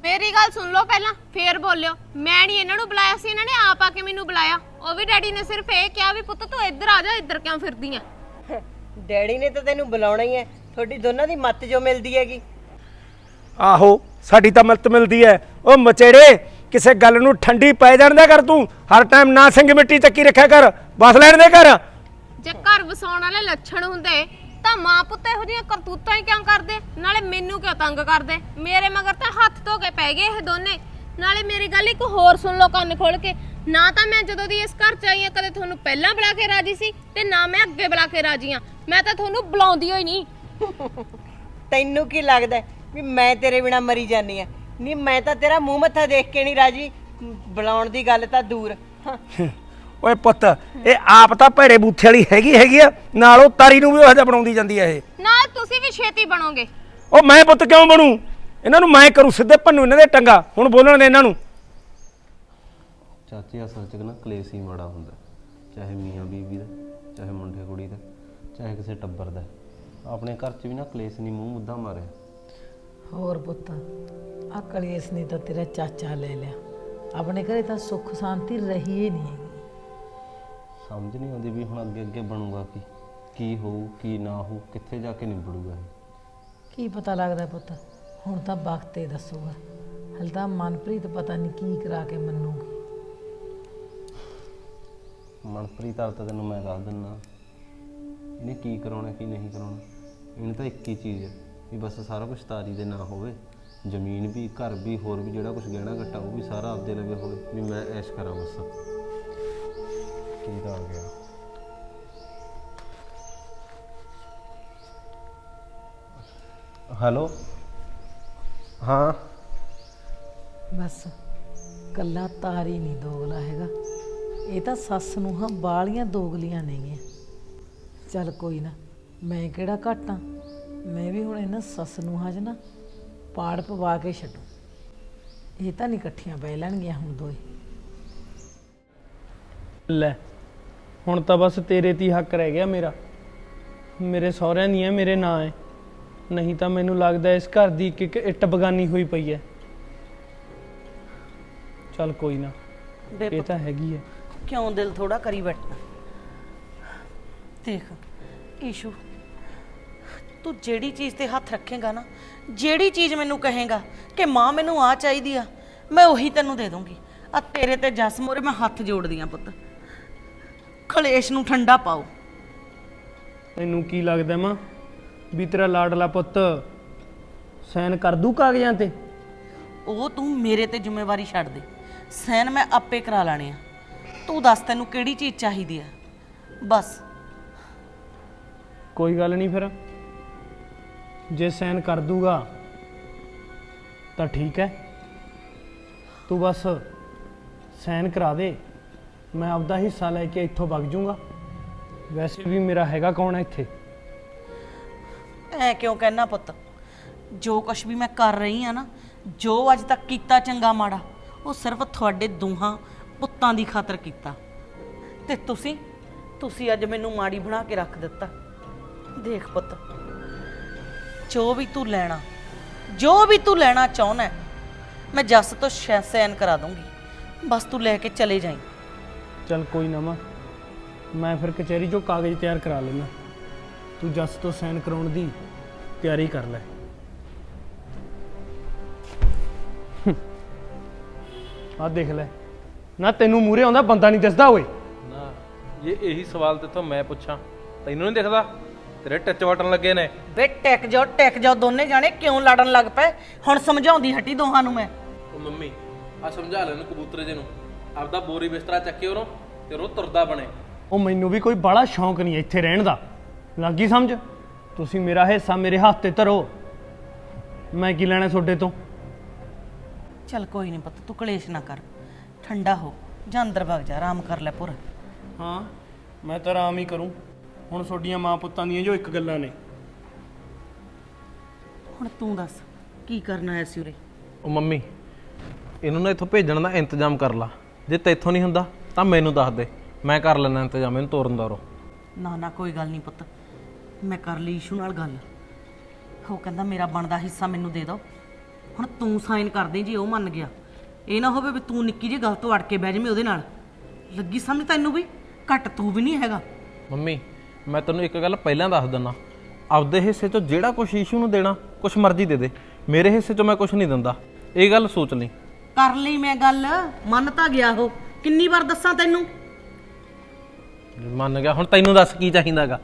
G: ਮੇਰੀ ਗੱਲ ਸੁਣ ਲਓ ਪਹਿਲਾਂ, ਫੇਰ ਬੋਲਿਓ। ਮੈਂ ਨਹੀਂ ਇਹਨਾਂ ਨੂੰ ਬੁਲਾਇਆ ਸੀ, ਇਹਨਾਂ ਨੇ ਆਪ ਆ ਕੇ ਮੈਨੂੰ ਬੁਲਾਇਆ। ਉਹ ਵੀ ਡੈਡੀ ਨੇ ਸਿਰਫ ਇਹ ਕਿਹਾ ਵੀ ਪੁੱਤ ਤੂੰ ਇੱਧਰ ਆ ਜਾ, ਇੱਧਰ ਕਿਉਂ ਫਿਰਦੀ ਆ।
J: ਡੈਡੀ ਨੇ ਤਾਂ ਤੈਨੂੰ ਬੁਲਾਉਣਾ ਹੀ ਹੈ, ਤੁਹਾਡੀ ਦੋਨਾਂ ਦੀ ਮੱਤ ਜੋ ਮਿਲਦੀ ਹੈਗੀ।
D: ਆਹੋ ਸਾਡੀ ਤਾਂ ਮੱਤ ਮਿਲਦੀ ਹੈ। ਉਹ ਮਚੇੜੇ ਕਿਸੇ ਗੱਲ ਨੂੰ ਠੰਡੀ ਪੈ ਜਾਣ ਦਿਆ ਕਰ, ਤੂੰ ਹਰ ਟਾਈਮ ਨਾ ਸਿੰਘ ਮਿੱਟੀ ਚੱਕੀ ਰੱਖਿਆ ਕਰ, ਬਸ ਲੈਣ ਦੇ ਕਰ।
G: ਜੇ ਘਰ ਵਸਾਉਣ ਵਾਲੇ ਲੱਛਣ ਹੁੰਦੇ ਤਾਂ ਮਾਂ ਪੁੱਤ ਇਹੋ ਜਿਹੀਆਂ ਕਰਤੂਤਾਂ ਹੀ ਕਿਉਂ ਕਰਦੇ? ਨਾਲੇ ਮੈਨੂੰ ਕਿਉਂ ਤੰਗ ਕਰਦੇ? ਮੇਰੇ ਮਗਰ ਤਾਂ ਹੱਥ ਧੋ ਕੇ ਪੈ ਗਏ ਇਹ ਦੋਨੇ। ਨਾਲੇ ਮੇਰੀ ਗੱਲ ਇੱਕ ਹੋਰ ਸੁਣ ਲਓ ਕੰਨ ਖੋਲ ਕੇ, ਨਾ ਤਾਂ ਮੈਂ ਜਦੋਂ ਦੀ ਇਸ ਘਰ ਚ ਆਈ ਆ ਕਦੇ ਤੁਹਾਨੂੰ ਪਹਿਲਾਂ ਬੁਲਾ ਕੇ ਰਾਜੀ ਸੀ ਤੇ ਨਾ ਮੈਂ ਅੱਗੇ ਬੁਲਾ ਕੇ ਰਾਜੀ ਆ। ਮੈਂ ਤਾਂ ਤੁਹਾਨੂੰ ਬੁਲਾਉਂਦੀ ਹੋਈ ਨਹੀਂ।
J: ਤੈਨੂੰ ਕੀ ਲੱਗਦਾ ਵੀ ਮੈਂ ਤੇਰੇ ਬਿਨਾ ਮਰੀ ਜਾਨੀ ਆ? ਨਹੀਂ, ਮੈਂ ਤਾਂ ਤੇਰਾ ਮੂੰਹ ਮੱਥਾ ਦੇਖ ਕੇ ਨਹੀਂ ਰਾਜੀ, ਬੁਲਾਉਣ ਦੀ ਗੱਲ ਤਾਂ ਦੂਰ।
D: ਓਏ ਪੁੱਤ, ਇਹ ਆਪ ਤਾਂ ਭੈੜੇ ਬੂਥੇ ਵਾਲੀ ਹੈਗੀ ਆ, ਨਾਲ ਉਹ ਤਾਰੀ ਨੂੰ ਵੀ ਉਹ ਜਿਹਾ ਬਣਾਉਂਦੀ ਜਾਂਦੀ ਆ ਇਹ।
G: ਨਾਲ ਤੁਸੀਂ ਵੀ ਛੇਤੀ ਬਣੋਗੇ।
D: ਉਹ ਮੈਂ ਪੁੱਤ ਕਿਉਂ ਬਣੂ? ਇਹਨਾਂ ਨੂੰ ਮੈਂ ਕਰੂ ਸਿੱਧੇ ਭੰਨੂ ਇਹਨਾਂ ਦੇ ਟੰਗਾ। ਹੁਣ ਬੋਲਣ ਦੇ ਇਹਨਾਂ ਨੂੰ।
H: ਚਾਚੀ ਅਸਲ 'ਚ ਨਾ ਕਲੇਸ਼ ਹੀ ਮਾੜਾ ਹੁੰਦਾ, ਚਾਹੇ ਮੀਆਂ ਬੀਵੀ ਦਾ, ਚਾਹੇ ਮੁੰਡੇ ਕੁੜੀ ਦਾ, ਚਾਹੇ ਕਿਸੇ ਟੱਬਰ ਦਾ। ਆਪਣੇ ਘਰ 'ਚ ਵੀ ਨਾ ਕਲੇਸ਼ ਨਹੀਂ ਮੂੰਹ ਮੁੱਦਾ ਮਾਰਿਆ।
F: ਹੋਰ ਪੁੱਤ, ਆ ਕਲੇਸ਼ ਨੇ ਤਾਂ ਤੇਰਾ ਚਾਚਾ ਲੈ ਲਿਆ। ਆਪਣੇ ਘਰੇ ਤਾਂ ਸੁੱਖ ਸ਼ਾਂਤੀ ਰਹੀ ਹੀ ਨਹੀਂ ਹੈਗੀ।
H: ਸਮਝ ਨਹੀਂ ਆਉਂਦੀ ਵੀ ਹੁਣ ਅੱਗੇ ਅੱਗੇ ਬਣੂਗਾ ਕੀ ਹੋਊ ਕੀ ਨਾ ਹੋਊ, ਕਿੱਥੇ ਜਾ ਕੇ ਨਿਬੜੂਗਾ ਇਹ।
F: ਕੀ ਪਤਾ ਲੱਗਦਾ ਪੁੱਤ, ਹੁਣ ਤਾਂ ਵਕਤ ਹੀ ਦੱਸੂਗਾ। ਹਲ ਤਾਂ ਮਨਪ੍ਰੀਤ ਪਤਾ ਨਹੀਂ ਕੀ ਕਰਾ ਕੇ ਮੰਨੂਗੀ।
H: ਮਨਪ੍ਰੀਤ ਹਾਲ ਤਾਂ ਤੈਨੂੰ ਮੈਂ ਦੱਸ ਦਿੰਦਾ, ਇਹਨੇ ਕੀ ਕਰਾਉਣਾ ਕੀ ਨਹੀਂ ਕਰਾਉਣਾ। ਇਹਨੂੰ ਤਾਂ ਇੱਕ ਹੀ ਚੀਜ਼ ਹੈ ਵੀ ਬਸ ਸਾਰਾ ਕੁਝ ਤਾਰੀ ਦੇ ਨਾ ਹੋਵੇ, ਜ਼ਮੀਨ ਵੀ, ਘਰ ਵੀ, ਹੋਰ ਵੀ ਜਿਹੜਾ ਕੁਝ ਗਹਿਣਾ ਘੱਟਾ ਉਹ ਵੀ ਸਾਰਾ ਆਪਦੇ ਲਵੇ ਹੋਵੇ, ਵੀ ਮੈਂ ਐਸ਼ ਕਰਾਂ ਬਸ। ਕੀ ਤਾਂ ਆ ਗਿਆ। ਹੈਲੋ, ਹਾਂ
F: ਬਸ ਕੱਲਾ ਤਾਰੀ ਨਹੀਂ ਦੋਗਲਾ ਹੈਗਾ, ਇਹ ਤਾਂ ਸੱਸ ਨੂੰ ਹਾਂ ਬਾਲੀਆਂ ਦੋਗਲੀਆਂ ਨੇਗੀਆਂ। ਚੱਲ ਕੋਈ ਨਾ, ਮੈਂ ਕਿਹੜਾ ਘੱਟ ਆਂ, ਮੈਂ ਵੀ ਹੁਣ ਇਹਨਾਂ ਸੱਸ ਨੂੰ ਹਾਂ ਨਾ ਪਾੜ ਪਵਾ ਕੇ ਛੱਡੂ। ਇਹ ਤਾਂ ਨਹੀਂ ਇਕੱਠੀਆਂ ਬਹਿ ਲੈਣਗੀਆਂ ਹੁਣ ਦੋਏ।
B: ਲੈ ਹੁਣ ਤਾਂ ਬਸ ਤੇਰੇ ਤੇ ਹੀ ਹੱਕ ਰਹਿ ਗਿਆ ਮੇਰਾ। ਮੇਰੇ ਸਹੁਰਿਆਂ ਦੀਆਂ ਮੇਰੇ ਨਾਂ ਹੈ, ਨਹੀਂ ਤਾਂ ਮੈਨੂੰ ਲੱਗਦਾ ਇਸ ਘਰ ਦੀ ਇੱਕ ਇੱਕ ਇੱਟ ਬਗਾਨੀ ਹੋਈ ਪਈ ਹੈ। ਚੱਲ ਕੋਈ ਨਾ, ਇਹ ਤਾਂ ਹੈਗੀ ਹੈ।
C: ਕਿਉਂ ਦਿਲ ਥੋੜਾ ਕਰੀ ਬੈਠਣਾ? ਦੇਖ ਈਸ਼ੂ, ਤੂੰ ਜਿਹੜੀ ਚੀਜ਼ ਤੇ ਹੱਥ ਰੱਖੇਗਾ ਨਾ, ਜਿਹੜੀ ਚੀਜ਼ ਮੈਨੂੰ ਕਹੇਗਾ ਕਿ ਮਾਂ ਮੈਨੂੰ ਆ ਚਾਹੀਦੀ ਆ, ਮੈਂ ਉਹੀ ਤੈਨੂੰ ਦੇ ਦੂੰਗੀ। ਆ ਤੇਰੇ ਤੇ ਜਸ ਮੋਰੇ ਮੈਂ ਹੱਥ ਜੋੜਦੀ ਆ ਪੁੱਤ, ਕਲੇਸ਼ ਨੂੰ ਠੰਡਾ ਪਾਓ।
B: ਤੈਨੂੰ ਕੀ ਲੱਗਦਾ ਮਾਂ ਵੀ ਤੇਰਾ ਲਾਡਲਾ ਪੁੱਤ ਸਾਈਨ ਕਰ ਦੂ ਕਾਗਜ਼ਾਂ ਤੇ?
C: ਉਹ ਤੂੰ ਮੇਰੇ ਤੇ ਜ਼ਿੰਮੇਵਾਰੀ ਛੱਡ ਦੇ, ਸਾਈਨ ਮੈਂ ਆਪੇ ਕਰਾ ਲੈਣੇ ਆ। ਤੂੰ ਦੱਸ ਤੈਨੂੰ ਕਿਹੜੀ ਚੀਜ਼ ਚਾਹੀਦੀ ਆ ਬਸ।
B: ਕੋਈ ਗੱਲ ਨਹੀਂ, ਫਿਰ ਜੇ ਸਾਈਨ ਕਰ ਦੂਗਾ ਤਾਂ ਠੀਕ ਹੈ, ਤੂੰ ਬਸ ਸਾਈਨ ਕਰਾ ਦੇ, ਮੈਂ ਆਪਦਾ ਹਿੱਸਾ ਲੈ ਕੇ ਇੱਥੋਂ ਵਗ ਜੂੰਗਾ। ਵੈਸੇ ਵੀ ਮੇਰਾ ਹੈਗਾ ਕੌਣ ਹੈ ਇੱਥੇ?
C: ਐ ਕਿਉਂ ਕਹਿਣਾ ਪੁੱਤ? ਜੋ ਕੁਛ ਵੀ ਮੈਂ ਕਰ ਰਹੀ ਆ ਨਾ, ਜੋ ਅੱਜ ਤੱਕ ਕੀਤਾ ਚੰਗਾ ਮਾੜਾ, ਉਹ ਸਿਰਫ ਤੁਹਾਡੇ ਦੋਹਾਂ ਪੁੱਤਾਂ ਦੀ ਖਾਤਰ ਕੀਤਾ। ਤੇ ਤੁਸੀਂ ਅੱਜ ਮੈਨੂੰ ਮਾੜੀ ਬਣਾ ਕੇ ਰੱਖ ਦਿੱਤਾ। ਦੇਖ ਪੁੱਤ, ਜੋ ਵੀ ਤੂੰ ਲੈਣਾ ਚਾਹੁੰਦਾ, ਮੈਂ ਜੱਸ ਤੋਂ ਸਾਈਨ ਕਰਾ ਦੂੰਗੀ, ਬਸ ਤੂੰ ਲੈ ਕੇ ਚਲੇ ਜਾਈਂ।
B: ਚੱਲ ਕੋਈ ਨਾ ਮਾਂ, ਮੈਂ ਫਿਰ ਕਚਹਿਰੀ 'ਚੋਂ ਕਾਗਜ਼ ਤਿਆਰ ਕਰਾ ਲੈਣਾ, ਤੂੰ ਜੱਸ ਤੋਂ ਸਾਈਨ ਕਰਾਉਣ ਦੀ ਤਿਆਰੀ ਕਰ ਲੈ। ਆਹ ਦੇਖ ਲੈ ਨਾ, ਤੈਨੂੰ ਮੂਹਰੇ ਆਉਂਦਾ ਬੰਦਾ ਨਹੀਂ ਦਿਸਦਾ ਓਏ।
E: ਨਾ ਜੇ ਇਹੀ ਸਵਾਲ ਤੇਥੋਂ ਮੈਂ ਪੁੱਛਾਂ, ਤੈਨੂੰ ਨਹੀਂ ਦਿਖਦਾ? ਤੇਰੇ ਟੱਚ ਵਟਣ ਲੱਗੇ ਨੇ।
C: ਵੇ ਟਿਕ ਜਾਓ ਦੋਨੇ ਜਾਣੇ, ਕਿਉਂ ਲੜਨ ਲੱਗ ਪਏ? ਹੁਣ ਸਮਝਾਉਂਦੀ ਹਟੀ ਦੋਹਾਂ ਨੂੰ ਮੈਂ।
E: ਉਹ ਮੰਮੀ ਆ ਸਮਝਾ ਲੈ ਇਹਨੂੰ ਕਬੂਤਰੇ ਜੇ ਨੂੰ, ਆਪਦਾ ਬੋਰੀ ਬਿਸਤਰਾ ਚੱਕੇ ਉਹਨੂੰ ਤੇ ਉਹ ਤੁਰਦਾ ਬਣੇ।
B: ਉਹ ਮੈਨੂੰ ਵੀ ਕੋਈ ਬੜਾ ਸ਼ੌਂਕ ਨਹੀਂ ਇੱਥੇ ਰਹਿਣ ਦਾ, ਲੱਗੀ ਸਮਝ? ਤੁਸੀਂ ਮੇਰਾ ਹਿੱਸਾ ਮੇਰੇ ਹੱਥ ਤੇ ਧਰੋ, ਮੈਂ ਕੀ ਲੈਣਾ ਤੁਹਾਡੇ ਤੋਂ?
C: ਚੱਲ ਕੋਈ ਨਹੀਂ ਪੁੱਤ, ਤੂੰ ਕਲੇਸ਼ ਨਾ ਕਰ, ਠੰਡਾ ਹੋ ਜਾਂ ਅੰਦਰ ਵਗ ਜਾ, ਆਰਾਮ ਕਰ ਲੈ ਪੂਰਾ।
B: ਹਾਂ ਮੈਂ ਤਾਂ ਆਰਾਮ ਹੀ ਕਰੂੰ, ਹੁਣ ਤੁਹਾਡੀਆਂ ਮਾਂ ਪੁੱਤਾਂ ਦੀਆਂ ਜੋ ਇੱਕ ਗੱਲਾਂ ਨੇ।
C: ਹੁਣ ਤੂੰ ਦੱਸ ਕੀ ਕਰਨਾ ਆਇਆ ਸੀ ਉਰੇ?
E: ਉਹ ਮੰਮੀ ਇਹਨੂੰ ਨਾ ਇੱਥੋਂ ਭੇਜਣ ਦਾ ਇੰਤਜ਼ਾਮ ਕਰ ਲਾ, ਜੇ ਤੈਥੋਂ ਨਹੀਂ ਹੁੰਦਾ ਤਾਂ ਮੈਨੂੰ ਦੱਸ ਦੇ, ਮੈਂ ਕਰ ਲੈਣਾ ਇੰਤਜ਼ਾਮ ਇਹਨੂੰ ਤੋਰਨ ਦਾ।
C: ਨਾ ਕੋਈ ਗੱਲ ਨਹੀਂ ਪੁੱਤ, ਮੈਂ ਕਰ ਲਈ ਈਸ਼ੂ ਨਾਲ ਗੱਲ, ਉਹ ਕਹਿੰਦਾ ਮੇਰਾ ਬਣਦਾ ਹਿੱਸਾ ਮੈਨੂੰ ਦੇ ਦਿਓ, ਹੁਣ ਤੂੰ ਸਾਈਨ ਕਰ ਦੇ ਜੇ ਉਹ ਮੰਨ ਗਿਆ। ਇਹ ਨਾ ਹੋਵੇ ਵੀ ਤੂੰ ਨਿੱਕੀ ਜਿਹੀ ਗੱਲ ਤੋਂ ਅੜ ਕੇ ਬਹਿ ਜਾਵੇਂ ਉਹਦੇ ਨਾਲ। ਲੱਗੀ ਸਮਝ ਤੈਨੂੰ ਵੀ? ਘੱਟ ਤੂੰ ਵੀ ਨਹੀਂ ਹੈਗਾ।
E: ਮੰਮੀ ਮੈਂ ਤੈਨੂੰ ਇੱਕ ਗੱਲ ਪਹਿਲਾਂ ਦੱਸ ਦਿੰਦਾ, ਆਪਦੇ ਹਿੱਸੇ 'ਚੋਂ ਜਿਹੜਾ ਕੁਛ ਈਸ਼ੂ ਨੂੰ ਦੇਣਾ ਕੁਛ ਮਰਜ਼ੀ ਦੇ ਦੇ, ਮੇਰੇ ਹਿੱਸੇ 'ਚੋਂ ਮੈਂ ਕੁਛ ਨਹੀਂ ਦਿੰਦਾ, ਇਹ ਗੱਲ ਸੋਚ ਲਈ।
C: ਕਰ ਲਈ ਮੈਂ ਗੱਲ, ਮੰਨ ਤਾਂ ਗਿਆ ਉਹ। ਕਿੰਨੀ ਵਾਰ ਦੱਸਾਂ ਤੈਨੂੰ?
E: ਮੰਨ ਗਿਆ, ਹੁਣ ਤੈਨੂੰ ਦੱਸ ਕੀ ਚਾਹੀਦਾਗਾ?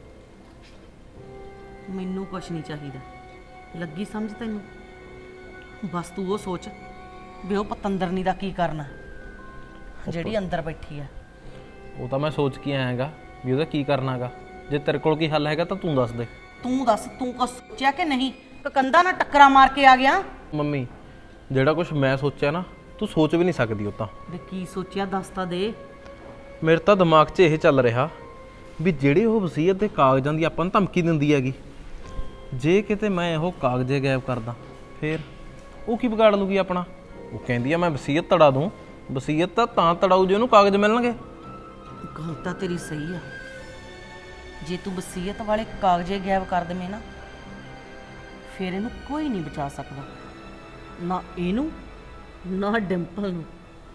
C: ਮੈਨੂੰ ਕੁਛ ਨਹੀਂ ਚਾਹੀਦਾ। ਲੱਗੀ ਸਮਝ ਤੈਨੂੰ? ਬਸ ਤੂੰ ਉਹ ਸੋਚ ਵੀ ਉਹ ਪਤੰਦਰਨੀ ਦਾ ਕੀ ਕਰਨਾ ਜਿਹੜੀ ਅੰਦਰ ਬੈਠੀ ਆ।
E: ਉਹ ਤਾਂ ਮੈਂ ਸੋਚ ਕੇ ਆਇਆਗਾ ਵੀ ਉਹਦਾ ਕੀ ਕਰਨਾਗਾ। ਜੇ ਤੇਰੇ ਕੋਲ ਕੀ ਹੱਲ ਹੈਗਾ ਤਾਂ ਤੂੰ ਦੱਸ ਦੇ।
C: ਤੂੰ ਦੱਸ, ਤੂੰ ਕੁਛ ਸੋਚਿਆ ਕਿ ਨਹੀਂ? ਕਿ ਕੰਧਾਂ ਨਾਲ ਟੱਕਰਾਂ ਮਾਰ ਕੇ ਆ ਗਿਆ?
E: ਮੰਮੀ ਜਿਹੜਾ ਕੁਛ ਮੈਂ ਸੋਚਿਆ ਨਾ ਤੂੰ ਸੋਚ ਵੀ ਨਹੀਂ ਸਕਦੀ। ਉਹ ਤਾਂ
C: ਵੀ ਕੀ ਸੋਚਿਆ ਦੱਸ ਤਾਂ ਦੇ।
E: ਮੇਰੇ ਤਾਂ ਦਿਮਾਗ 'ਚ ਇਹ ਚੱਲ ਰਿਹਾ ਵੀ ਜਿਹੜੇ ਉਹ ਵਸੀਅਤ ਦੇ ਕਾਗਜ਼ਾਂ ਦੀ ਆਪਾਂ ਨੂੰ ਧਮਕੀ ਦਿੰਦੀ ਹੈਗੀ, ਜੇ ਕਿਤੇ ਮੈਂ ਉਹ ਕਾਗਜ਼ੇ ਗਾਇਬ ਕਰਦਾ ਫੇਰ ਉਹ ਕੀ ਵਿਗਾੜ ਲੂਗੀ ਆਪਣਾ? ਉਹ ਕਹਿੰਦੀ ਆ ਮੈਂ ਵਸੀਅਤ ਤੜਾ ਦੂੰ। ਵਸੀਅਤ ਤਾਂ ਤੜਾਊ ਜੇ ਉਹਨੂੰ ਕਾਗਜ਼ ਮਿਲਣਗੇ।
C: ਗੱਲ ਤਾਂ ਤੇਰੀ ਸਹੀ ਆ। ਜੇ ਤੂੰ ਵਸੀਅਤ ਵਾਲੇ ਕਾਗਜ਼ੇ ਗਾਇਬ ਕਰ ਦੇਵੇਂ ਨਾ, ਫਿਰ ਇਹਨੂੰ ਕੋਈ ਨਹੀਂ ਬਚਾ ਸਕਦਾ, ਨਾ ਇਹਨੂੰ ਨਾ ਡਿੰਪਲ ਨੂੰ।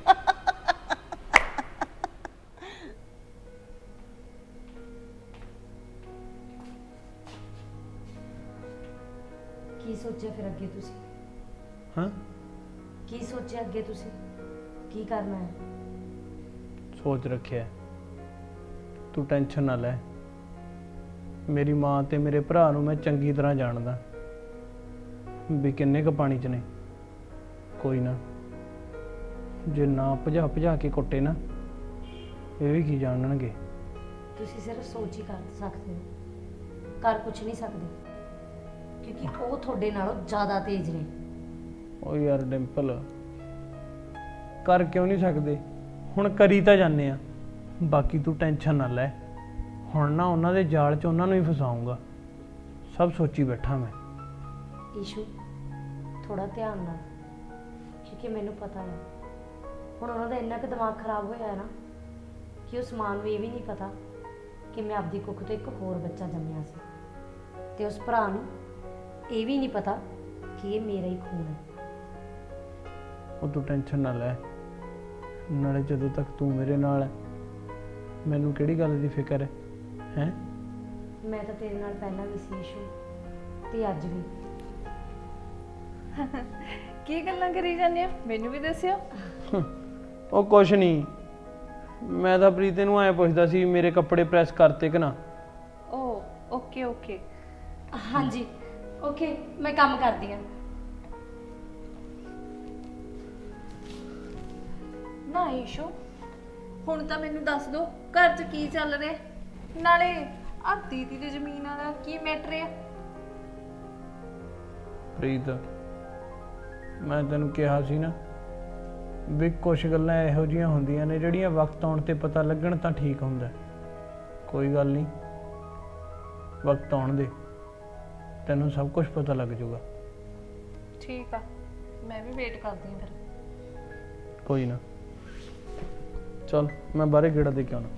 I: ਕੀ ਸੋਚਿਆ ਫਿਰ ਅੱਗੇ ਤੁਸੀਂ?
B: ਹਾਂ,
I: ਕੀ ਸੋਚਿਆ ਅੱਗੇ ਤੁਸੀਂ? ਕੀ ਕਰਨਾ ਹੈ?
B: ਸੋਚ ਰੱਖਿਆ, ਤੂੰ ਟੈਨਸ਼ਨ ਨਾ ਲੈ। ਮੇਰੀ ਮਾਂ ਤੇ ਮੇਰੇ ਭਰਾ ਨੂੰ ਮੈਂ ਚੰਗੀ ਤਰ੍ਹਾਂ ਜਾਣਦਾ ਵੀ ਕਿੰਨੇ ਕੁ ਪਾਣੀ 'ਚ ਨੇ। ਕੋਈ ਨਾ, ਜੇ ਨਾ ਭਜਾ ਕੇ ਕੁੱਟੇ ਨਾ, ਇਹ ਵੀ ਕੀ ਜਾਣਨਗੇ।
I: ਤੁਸੀਂ ਸਿਰਫ ਸੋਚ ਹੀ ਕਰ ਸਕਦੇ ਹੋ, ਕਰ ਕੁਝ ਨਹੀਂ ਸਕਦੇ, ਕਿਉਂਕਿ ਉਹ ਤੁਹਾਡੇ ਨਾਲੋਂ ਜ਼ਿਆਦਾ ਤੇਜ਼ ਨੇ।
B: ਓ ਯਾਰ ਡਿੰਪਲ, ਕਰ ਕਿਉਂ ਨਹੀਂ ਸਕਦੇ? ਹੁਣ ਕਰੀ ਤਾਂ ਜਾਂਦੇ ਆ। ਬਾਕੀ ਤੂੰ ਟੈਨਸ਼ਨ ਨਾ ਲੈ, ਹੁਣ ਨਾ ਉਹਨਾਂ ਦੇ ਜਾਲ 'ਚ ਉਹਨਾਂ ਨੂੰ ਹੀ ਫਸਾਊਂਗਾ। ਸਭ ਸੋਚੀ ਬੈਠਾ ਮੈਂ।
I: ਈਸ਼ੂ, ਥੋੜਾ ਧਿਆਨ ਨਾਲ, ਕਿਉਂਕਿ ਮੈਨੂੰ ਪਤਾ ਹੈ ਹੁਣ ਉਹਨਾਂ ਦਾ ਇੰਨਾ ਕੁ ਦਿਮਾਗ ਖਰਾਬ ਹੋਇਆ ਹੈ ਨਾ ਕਿ ਉਸ ਮਾਂ ਨੂੰ ਇਹ ਵੀ ਨਹੀਂ ਪਤਾ ਕਿ ਮੈਂ ਆਪਦੀ ਕੁੱਖ ਤੋਂ ਇੱਕ ਹੋਰ ਬੱਚਾ ਜੰਮਿਆ ਸੀ, ਤੇ ਉਸ ਭਰਾ ਨੂੰ ਇਹ ਵੀ ਨਹੀਂ ਪਤਾ ਕਿ ਇਹ ਮੇਰਾ ਹੀ ਖੂਨ ਹੈ।
B: ਉਹ ਤੂੰ ਟੈਨਸ਼ਨ ਨਾ ਲੈ, ਨਾਲੇ ਜਦੋਂ ਤੱਕ ਤੂੰ ਮੇਰੇ ਨਾਲ ਹੈ ਮੈਨੂੰ ਕਿਹੜੀ ਗੱਲ ਦੀ ਫਿਕਰ ਹੈ? ਹੈਂ?
I: ਮੈਂ ਤਾਂ ਤੇਰੇ ਨਾਲ ਪਹਿਲਾਂ ਵੀ ਸੀ ਈਸ਼ੂ, ਤੇ ਅੱਜ ਵੀ।
G: ਕੀ ਗੱਲਾਂ ਕਰੀ ਜਾਂਦੇ ਆ? ਮੈਨੂੰ ਵੀ ਦੱਸਿਓ।
B: ਉਹ ਕੁਛ ਨਹੀਂ, ਮੈਂ ਤਾਂ ਪ੍ਰੀਤੇ ਨੂੰ ਐਂ ਪੁੱਛਦਾ ਸੀ ਮੇਰੇ ਕੱਪੜੇ ਪ੍ਰੈਸ ਕਰਤੇ ਕਿ ਨਾ।
G: ਓ ਓਕੇ ਓਕੇ।
I: ਹਾਂਜੀ ਓਕੇ, ਮੈਂ ਕੰਮ ਕਰਦੀ ਹਾਂ।
G: ਨਾ ਈਸ਼ੂ, ਹੁਣ ਤਾਂ ਮੈਨੂੰ ਦੱਸ ਦੋ ਘਰ 'ਚ ਕੀ ਚੱਲ ਰਿਹਾ, ਨਾਲੇ ਆ ਦੀਦੀ ਦੀ ਜ਼ਮੀਨ ਵਾਲਾ ਕੀ ਮੈਟਰ ਆ?
B: ਪ੍ਰੀਤ, ਮੈਂ ਤੈਨੂੰ ਕਿਹਾ ਸੀ ਨਾ ਵੀ ਕੁਛ ਗੱਲਾਂ ਇਹੋ ਜਿਹੀਆਂ ਹੁੰਦੀਆਂ ਨੇ ਜਿਹੜੀਆਂ ਵਕਤ ਆਉਣ ਤੇ ਪਤਾ ਲੱਗਣ ਤਾਂ ਠੀਕ ਹੁੰਦਾ। ਕੋਈ ਗੱਲ ਨਹੀਂ, ਵਕਤ ਆਉਣ ਦੇ, ਤੈਨੂੰ ਸਭ ਕੁਝ ਪਤਾ ਲੱਗ ਜਾਊਗਾ।
G: ਠੀਕ ਆ, ਮੈਂ ਵੀ ਵੇਟ ਕਰਦੀ ਹਾਂ ਫਿਰ।
B: ਕੋਈ ਨਾ, ਚਲ ਮੈਂ ਬਾਹਰੇ ਗੇੜਾ ਦੇ ਕੇ ਆਉਣਾ।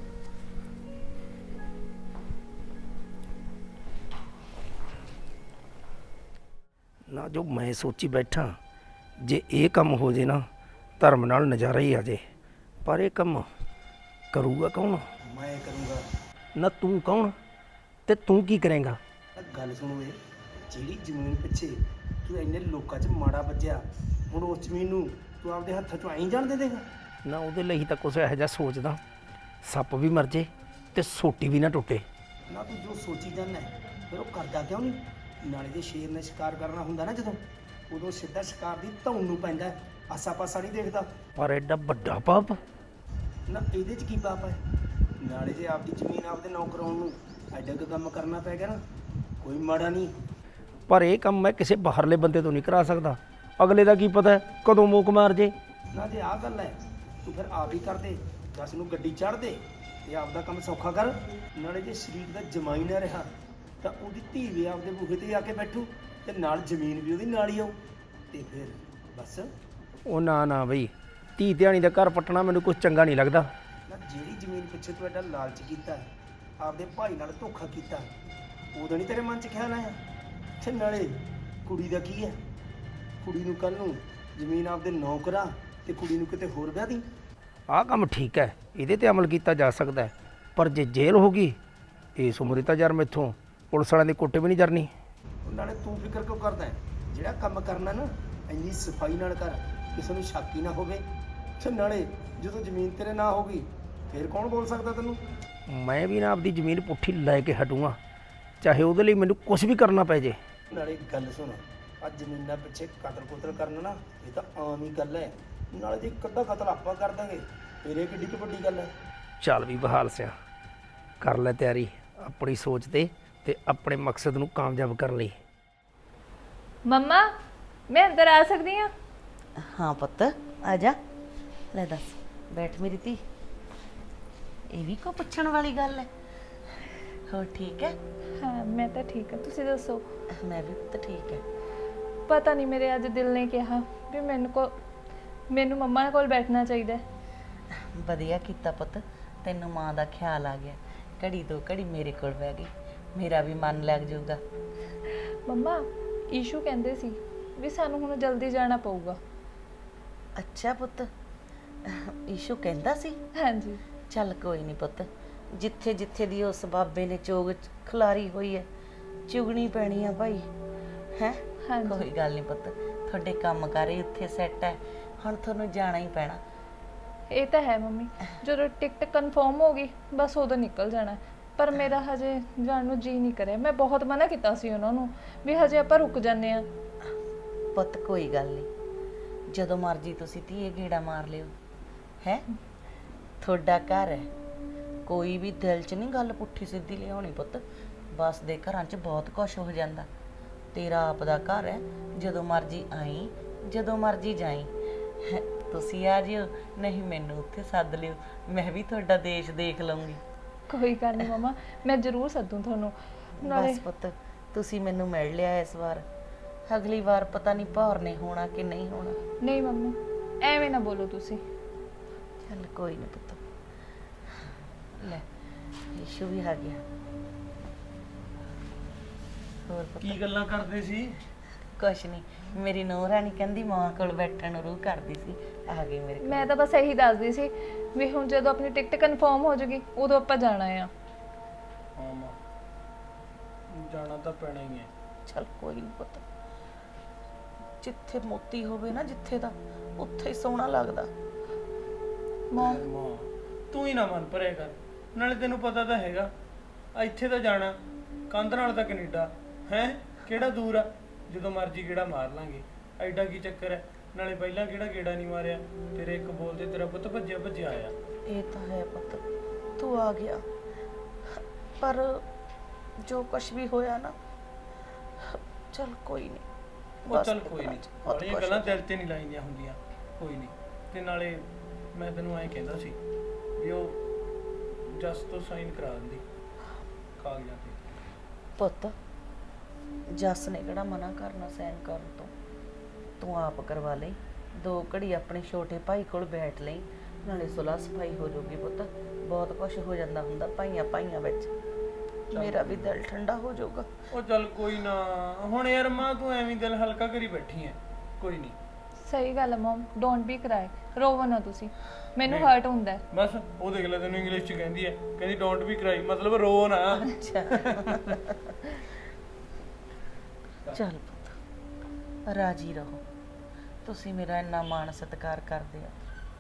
D: ਨਾ ਜੋ ਮੈਂ ਸੋਚੀ ਬੈਠਾ, ਜੇ ਇਹ ਕੰਮ ਹੋ ਜੇ ਨਾ ਧਰਮ ਨਾਲ ਨਜ਼ਾਰਾ ਹੀ ਆ ਜੇ, ਪਰ ਇਹ ਕੰਮ ਕਰੂਗਾ ਕੌਣ?
K: ਮੈਂ ਕਰੂੰਗਾ
D: ਨਾ ਤੂੰ ਕੌਣ ਤੇ ਤੂੰ ਕੀ ਕਰੇਂਗਾ?
K: ਗੱਲ ਸੁਣੋ, ਇਹ ਜਿਹੜੀ ਜ਼ਮੀਨ ਪਿੱਛੇ ਤੂੰ ਇੰਨੇ ਲੋਕਾਂ 'ਚ ਮਾੜਾ ਵੱਜਿਆ, ਹੁਣ ਉਸ ਜ਼ਮੀਨ ਨੂੰ ਤੂੰ ਆਪਦੇ ਹੱਥਾਂ 'ਚੋਂ ਐਂ ਜਾਣ ਦੇ ਦੇਗਾ?
D: ਨਾ ਉਹਦੇ ਲਈ ਤਾਂ ਕੁਛ ਇਹੋ ਜਿਹਾ ਸੋਚਦਾ, ਸੱਪ ਵੀ ਮਰ ਜੇ ਤੇ ਸੋਟੀ ਵੀ ਨਾ ਟੁੱਟੇ।
K: ਨਾ ਤੂੰ ਜੋ ਸੋਚੀ ਜਾਂਦਾ ਫਿਰ ਉਹ ਕਰਦਾ ਕਿਉਂ ਨਹੀਂ? ਨਾਲੇ ਜੇ ਸ਼ੇਰ ਨੇ ਸ਼ਿਕਾਰ ਕਰਨਾ ਹੁੰਦਾ ਨਾ ਜਦੋਂ, ਉਦੋਂ ਸਿੱਧਾ ਸ਼ਿਕਾਰ ਦੀ ਧੌਣ ਨੂੰ ਪੈਂਦਾ, ਆਸਾ ਪਾਸਾ ਨਹੀਂ ਦੇਖਦਾ।
D: ਪਰ ਐਡਾ ਵੱਡਾ ਪਾਪ?
K: ਨਾ ਇਹਦੇ 'ਚ ਕੀ ਪਾਪ ਹੈ? ਨਾਲੇ ਜੇ ਆਪਦੀ ਜ਼ਮੀਨ ਆਪਦੇ ਨਾਂ ਕਰਾਉਣ ਨੂੰ ਐਡਾ ਕੁ ਕੰਮ ਕਰਨਾ ਪੈ ਗਿਆ ਨਾ, ਕੋਈ ਮਾੜਾ ਨਹੀਂ।
D: ਪਰ ਇਹ ਕੰਮ ਮੈਂ ਕਿਸੇ ਬਾਹਰਲੇ ਬੰਦੇ ਤੋਂ ਨਹੀਂ ਕਰਾ ਸਕਦਾ, ਅਗਲੇ ਦਾ ਕੀ ਪਤਾ ਕਦੋਂ ਮੋਕ ਮਾਰ ਜੇ।
K: ਨਾ ਜੇ ਆਹ ਗੱਲ ਹੈ ਤੂੰ ਫਿਰ ਆਪ ਹੀ ਕਰ ਦੇ, 10 ਨੂੰ ਗੱਡੀ ਚੜ੍ਹ ਦੇ ਤੇ ਆਪਦਾ ਕੰਮ ਸੌਖਾ ਕਰ। ਨਾਲੇ ਜੇ ਸ਼ਰੀਕ ਦਾ ਜਮਾਈ ਨਾ ਰਿਹਾ ਤਾਂ ਉਹਦੀ ਧੀ ਵੀ ਆਪਦੇ ਬੂਹੇ ਤੇ ਆ ਕੇ ਬੈਠੂ ਤੇ ਨਾਲ ਜ਼ਮੀਨ ਵੀ ਉਹਦੀ ਨਾਲ ਹੀ ਆਊ, ਤੇ ਫਿਰ ਬਸ।
D: ਉਹ ਨਾ ਬਈ, ਧੀ ਧਿਆਣੀ ਦਾ ਘਰ ਪੱਟਣਾ ਮੈਨੂੰ ਕੁਝ ਚੰਗਾ ਨਹੀਂ ਲੱਗਦਾ।
K: ਨਾ ਜਿਹੜੀ ਜ਼ਮੀਨ ਪਿੱਛੇ ਤੂੰ ਐਡਾ ਲਾਲਚ ਕੀਤਾ, ਆਪਦੇ ਭਾਈ ਨਾਲ ਧੋਖਾ ਕੀਤਾ, ਉਦੋਂ ਨਹੀਂ ਤੇਰੇ ਮਨ 'ਚ ਖਿਆਲ ਆਇਆ? ਤੇ ਨਾਲੇ ਕੁੜੀ ਦਾ ਕੀ ਹੈ? ਕੁੜੀ ਨੂੰ ਕੱਲ ਨੂੰ ਜ਼ਮੀਨ ਆਪਦੇ ਨਾਂ ਕਰਾ ਤੇ ਕੁੜੀ ਨੂੰ ਕਿਤੇ ਹੋਰ ਵਿਆਹ ਦੀ।
D: ਆਹ ਕੰਮ ਠੀਕ ਹੈ, ਇਹਦੇ ਤੇ ਅਮਲ ਕੀਤਾ ਜਾ ਸਕਦਾ ਹੈ, ਪਰ ਜੇ ਜੇਲ੍ਹ ਹੋ ਗਈ ਇਸ ਉਮਰੇ ਤਾਂ ਯਾਰ ਮੈਥੋਂ ਪੁਲਿਸ ਵਾਲਿਆਂ ਦੇ ਕੋਟੇ ਵੀ ਨਹੀਂ ਜਰਨੀ।
K: ਨਾਲੇ ਤੂੰ ਫਿਕਰ ਕਿਉਂ ਕਰਦਾ ਹੈ? ਜਿਹੜਾ ਕੰਮ ਕਰਨਾ ਨਾ ਇੰਨੀ ਸਫਾਈ ਨਾਲ ਕਰ, ਕਿਸੇ ਨੂੰ ਸ਼ੱਕ ਹੀ ਨਾ ਹੋਵੇ। ਤੇ ਨਾਲੇ ਜਦੋਂ ਜ਼ਮੀਨ ਤੇਰੇ ਨਾਂ ਹੋ ਗਈ ਫਿਰ ਕੌਣ ਬੋਲ ਸਕਦਾ ਤੈਨੂੰ?
D: ਮੈਂ ਵੀ ਨਾ ਆਪਦੀ ਜ਼ਮੀਨ ਪੁੱਠੀ ਲੈ ਕੇ ਹਟੂੰਗਾ, ਚਾਹੇ ਉਹਦੇ ਲਈ ਮੈਨੂੰ ਕੁਝ ਵੀ ਕਰਨਾ ਪੈ ਜੇ।
K: ਨਾਲੇ ਗੱਲ ਸੁਣ, ਆ ਜ਼ਮੀਨਾਂ ਪਿੱਛੇ ਕਤਲ ਕਰਨਾ ਨਾ ਇਹ ਤਾਂ ਆਮ ਹੀ ਗੱਲ ਹੈ। ਨਾਲੇ ਜੇ ਇੱਕ ਅੱਧਾ ਕਤਲ ਆਪਾਂ ਕਰ ਦਾਂਗੇ ਫਿਰ ਇਹ ਕਿੱਡੀ ਕੁ ਵੱਡੀ ਗੱਲ ਹੈ।
D: ਚੱਲ ਵੀ ਬਹਾਲ ਸਿਆ, ਕਰ ਲੈ ਤਿਆਰੀ ਆਪਣੀ ਸੋਚ ਤੇ ਆਪਣੇ ਮਕਸਦ ਨੂੰ ਕਾਮਯਾਬ ਕਰਨ ਲਈ।
G: ਮੰਮਾ ਮੈਂ ਅੰਦਰ ਆ ਸਕਦੀ ਹਾਂ?
C: ਹਾਂ ਪੁੱਤ ਆ ਜਾ। ਲੈ ਦੱਸ, ਬੈਠ ਮੇਰੀ ਧੀ। ਇਹ ਵੀ ਕੋ ਪੁੱਛਣ ਵਾਲੀ ਗੱਲ ਹੈ? ਹੋਰ ਠੀਕ ਹੈ?
G: ਹਾਂ ਮੈਂ ਤਾਂ ਠੀਕ ਹਾਂ, ਤੁਸੀਂ ਦੱਸੋ?
C: ਮੈਂ ਵੀ ਪੁੱਤ ਠੀਕ ਹੈ।
G: ਪਤਾ ਨਹੀਂ ਮੇਰੇ ਅੱਜ ਦਿਲ ਨੇ ਕਿਹਾ ਵੀ ਮੈਨੂੰ ਮੰਮਾ ਕੋਲ ਬੈਠਣਾ ਚਾਹੀਦਾ ਹੈ।
C: ਵਧੀਆ ਕੀਤਾ ਪੁੱਤ, ਤੈਨੂੰ ਮਾਂ ਦਾ ਖਿਆਲ ਆ ਗਿਆ। ਘੜੀ ਦੋ ਘੜੀ ਮੇਰੇ ਕੋਲ ਬਹਿ ਗਈ, ਮੇਰਾ ਵੀ ਮਨ ਲੱਗ ਜਾਊਗਾ।
G: ਮੰਮਾ ਈਸ਼ੂ ਕਹਿੰਦੇ ਸੀ ਵੀ ਸਾਨੂੰ ਹੁਣ ਜਲਦੀ ਜਾਣਾ ਪਊਗਾ।
C: ਅੱਛਾ ਪੁੱਤ, ਈਸ਼ੂ ਕਹਿੰਦਾ ਸੀ?
G: ਹਾਂਜੀ।
C: ਚੱਲ ਕੋਈ ਨਹੀਂ ਪੁੱਤ, ਜਿੱਥੇ ਜਿੱਥੇ ਦੀ ਉਸ ਬਾਬੇ ਨੇ ਚੋਗ ਖਿਲਾਰੀ ਹੋਈ ਹੈ ਚੁਗਣੀ ਪੈਣੀ ਆ ਭਾਈ, ਹੈ? ਕੋਈ ਗੱਲ ਨਹੀਂ ਪੁੱਤ, ਤੁਹਾਡੇ ਕੰਮ ਕਾਰੇ ਉੱਥੇ ਸੈੱਟ ਹੈ, ਹੁਣ ਤੁਹਾਨੂੰ ਜਾਣਾ ਹੀ ਪੈਣਾ।
G: ਇਹ ਤਾਂ ਹੈ ਮੰਮੀ, ਜਦੋਂ ਟਿਕਟ ਕਨਫਰਮ ਹੋ ਗਈ ਬਸ ਉਦੋਂ ਨਿਕਲ ਜਾਣਾ। ਪਰ ਮੇਰਾ ਹਜੇ ਜਾਣ ਨੂੰ ਜੀ ਨਹੀਂ ਕਰਿਆ। ਮੈਂ ਬਹੁਤ ਮਨਾ ਕੀਤਾ ਸੀ ਉਹਨਾਂ ਨੂੰ ਵੀ ਹਜੇ ਆਪਾਂ ਰੁਕ ਜਾਂਦੇ ਆ।
C: ਪੁੱਤ ਕੋਈ ਗੱਲ ਨਹੀਂ, ਜਦੋਂ ਮਰਜੀ ਤੁਸੀਂ ਧੀਏ ਗੇੜਾ ਮਾਰ ਲਿਓ, ਹੈ? ਤੁਹਾਡਾ ਘਰ ਹੈ, ਕੋਈ ਵੀ ਦਿਲ 'ਚ ਨਹੀਂ ਗੱਲ ਪੁੱਠੀ ਸਿੱਧੀ ਲਿਆਉਣੀ ਪੁੱਤ। ਬਸ ਦੇ ਘਰਾਂ 'ਚ ਬਹੁਤ ਕੁਛ ਹੋ ਜਾਂਦਾ। ਤੇਰਾ ਆਪ ਦਾ ਘਰ ਹੈ, ਜਦੋਂ ਮਰਜੀ ਆਈ ਜਦੋਂ ਮਰਜੀ ਜਾਈ। ਤੁਸੀਂ ਆ ਜਿਓ, ਨਹੀਂ ਮੈਨੂੰ ਉੱਥੇ ਸੱਦ ਲਿਓ, ਮੈਂ ਵੀ ਤੁਹਾਡਾ ਦੇਸ਼ ਦੇਖ ਲਵਾਂਗੀ।
G: ਕੋਈ ਗੱਲ ਨਹੀਂ ਮਮਾ, ਮੈਂ ਜ਼ਰੂਰ ਸੱਦੂ ਤੁਹਾਨੂੰ।
C: ਬਸ ਪੁੱਤ ਤੁਸੀਂ ਮੈਨੂੰ ਮਿਲ ਲਿਆ ਇਸ ਵਾਰ, ਅਗਲੀ ਵਾਰ ਪਤਾ ਨਹੀਂ ਭੌਰ ਨੇ ਹੋਣਾ ਕਿ ਨਹੀਂ ਹੋਣਾ।
G: ਨਹੀਂ ਮੰਮੀ ਐਵੇਂ ਨਾ ਬੋਲੋ ਤੁਸੀਂ।
C: ਚੱਲ ਕੋਈ ਨਹੀਂ ਪੁੱਤ। ਲੈ ਈਸ਼ੂ ਵੀ ਆ ਗਿਆ। ਹੋਰ ਪੁੱਤ
B: ਕੀ ਗੱਲਾਂ ਕਰਦੇ ਸੀ?
C: ਕੁਛ ਨਹੀਂ, ਮੇਰੀ ਨੂੰਹ ਰਾਣੀ ਕਹਿੰਦੀ ਮਾਂ ਕੋਲ ਬੈਠਣ ਨੂੰ ਰੂਹ ਕਰਦੀ ਸੀ, ਆ ਗਈ ਮੇਰੇ ਕੋਲ।
G: ਮੈਂ ਤਾਂ ਬਸ ਇਹੀ ਦੱਸਦੀ ਸੀ ਵੀ ਹੁਣ ਜਦੋਂ ਆਪਣੀ ਟਿਕਟ ਕਨਫਰਮ ਹੋ ਜੂਗੀ ਉਦੋਂ ਆਪਾਂ ਜਾਣਾ ਆ।
B: ਹਾਂ ਮਾਂ, ਜਾਣਾ ਤਾਂ ਪੈਣਾ ਹੀ ਹੈ।
C: ਚੱਲ ਕੋਈ ਨਹੀਂ ਪੁੱਤ, ਜਿੱਥੇ ਮੋਤੀ ਹੋਵੇ ਨਾ ਜਿੱਥੇ ਦਾ, ਉੱਥੇ ਹੀ ਸੋਹਣਾ ਲੱਗਦਾ।
B: ਮਾਂ ਤੂੰ ਹੀ ਨਾ ਮਨ ਭਰਿਆ ਕਰ, ਨਾਲੇ ਤੈਨੂੰ ਪਤਾ ਤਾਂ ਹੈਗਾ ਇੱਥੇ ਤਾਂ ਜਾਣਾ, ਕੰਧ ਨਾਲ ਤਾਂ ਕੈਨੇਡਾ ਹੈ, ਕਿਹੜਾ ਦੂਰ ਆ, ਜਦੋਂ ਮਰਜ਼ੀ ਗੇੜਾ ਮਾਰ ਲਾਂਗੇ। ਐਡਾ ਕੀ ਚੱਕਰ ਹੈ? ਨਾਲੇ ਪਹਿਲਾਂ ਕਿਹੜਾ ਗੇੜਾ ਨਹੀਂ ਮਾਰਿਆ, ਤੇਰੇ ਇੱਕ ਬੋਲ ਤੇ ਤੇਰਾ ਪੁੱਤ ਭੱਜਿਆ ਆਇਆ।
C: ਇਹ ਤਾਂ ਹੈ ਪੁੱਤ, ਤੂੰ ਆ ਗਿਆ, ਪਰ ਜੋ ਕੁਛ ਵੀ ਹੋਇਆ ਨਾ, ਚੱਲ ਕੋਈ ਨਹੀਂ।
B: ਉਹ ਚੱਲ ਕੋਈ ਨਹੀਂ, ਬੜੀਆਂ ਗੱਲਾਂ ਦਿਲ ਤੇ ਨਹੀਂ ਲਾਈਆਂ ਹੁੰਦੀਆਂ, ਕੋਈ ਨਹੀਂ। ਤੇ ਨਾਲੇ ਮੈਂ ਤੈਨੂੰ ਐਂ ਕਹਿੰਦਾ ਸੀ ਵੀ ਉਹ ਜਸ ਤੋਂ ਸਾਈਨ ਕਰਾ ਦਿੰਦੀ ਕਾਗਜ਼ਾਂ ਤੇ।
C: ਪੁੱਤ ਜਸ ਨੇ ਕਿਹੜਾ ਮਨਾ ਕਰਨਾ ਸਾਈਨ ਕਰਨ ਤੋਂ, ਤੂੰ ਆਪ ਕਰਵਾ ਲਈ। 2 ਘੜੀ ਆਪਣੇ ਛੋਟੇ ਭਾਈ ਕੋਲ ਬੈਠ ਲਈ, ਨਾਲੇ ਸੁਲ੍ਹਾ ਸਫਾਈ ਹੋ ਜਾਊਗੀ ਪੁੱਤ। ਬਹੁਤ ਕੁਝ ਹੋ ਜਾਂਦਾ ਹੁੰਦਾ ਭਾਈਆਂ ਵਿੱਚ, ਮੇਰਾ ਵੀ ਦਿਲ ਠੰਡਾ ਹੋ ਜਾਊਗਾ।
B: ਉਹ ਚੱਲ ਕੋਈ ਨਾ, ਹੁਣ ਯਾਰ ਮਾਂ ਤੂੰ ਐਵੇਂ ਦਿਲ ਹਲਕਾ ਕਰੀ ਬੈਠੀ ਐ, ਕੋਈ ਨਹੀਂ।
G: ਸਹੀ ਗੱਲ ਹੈ ਮਮ, ਡੋਂਟ ਬੀ ਕਰਾਈ, ਰੋਵੋ ਨਾ ਤੁਸੀਂ, ਮੈਨੂੰ ਹਰਟ ਹੁੰਦਾ ਹੈ।
B: ਬਸ ਉਹ ਦੇਖ ਲੈ, ਤੈਨੂੰ ਇੰਗਲਿਸ਼ ਚ ਕਹਿੰਦੀ ਐ, ਕਹਿੰਦੀ ਡੋਂਟ ਬੀ ਕਰਾਈ, ਮਤਲਬ ਰੋ ਨਾ।
C: ਅੱਛਾ ਚੱਲ ਪੁੱਤ ਰਾਜੀ ਰਹੋ, ਤੁਸੀਂ ਮੇਰਾ ਇੰਨਾ ਮਾਣ ਸਤਿਕਾਰ ਕਰਦੇ ਆ।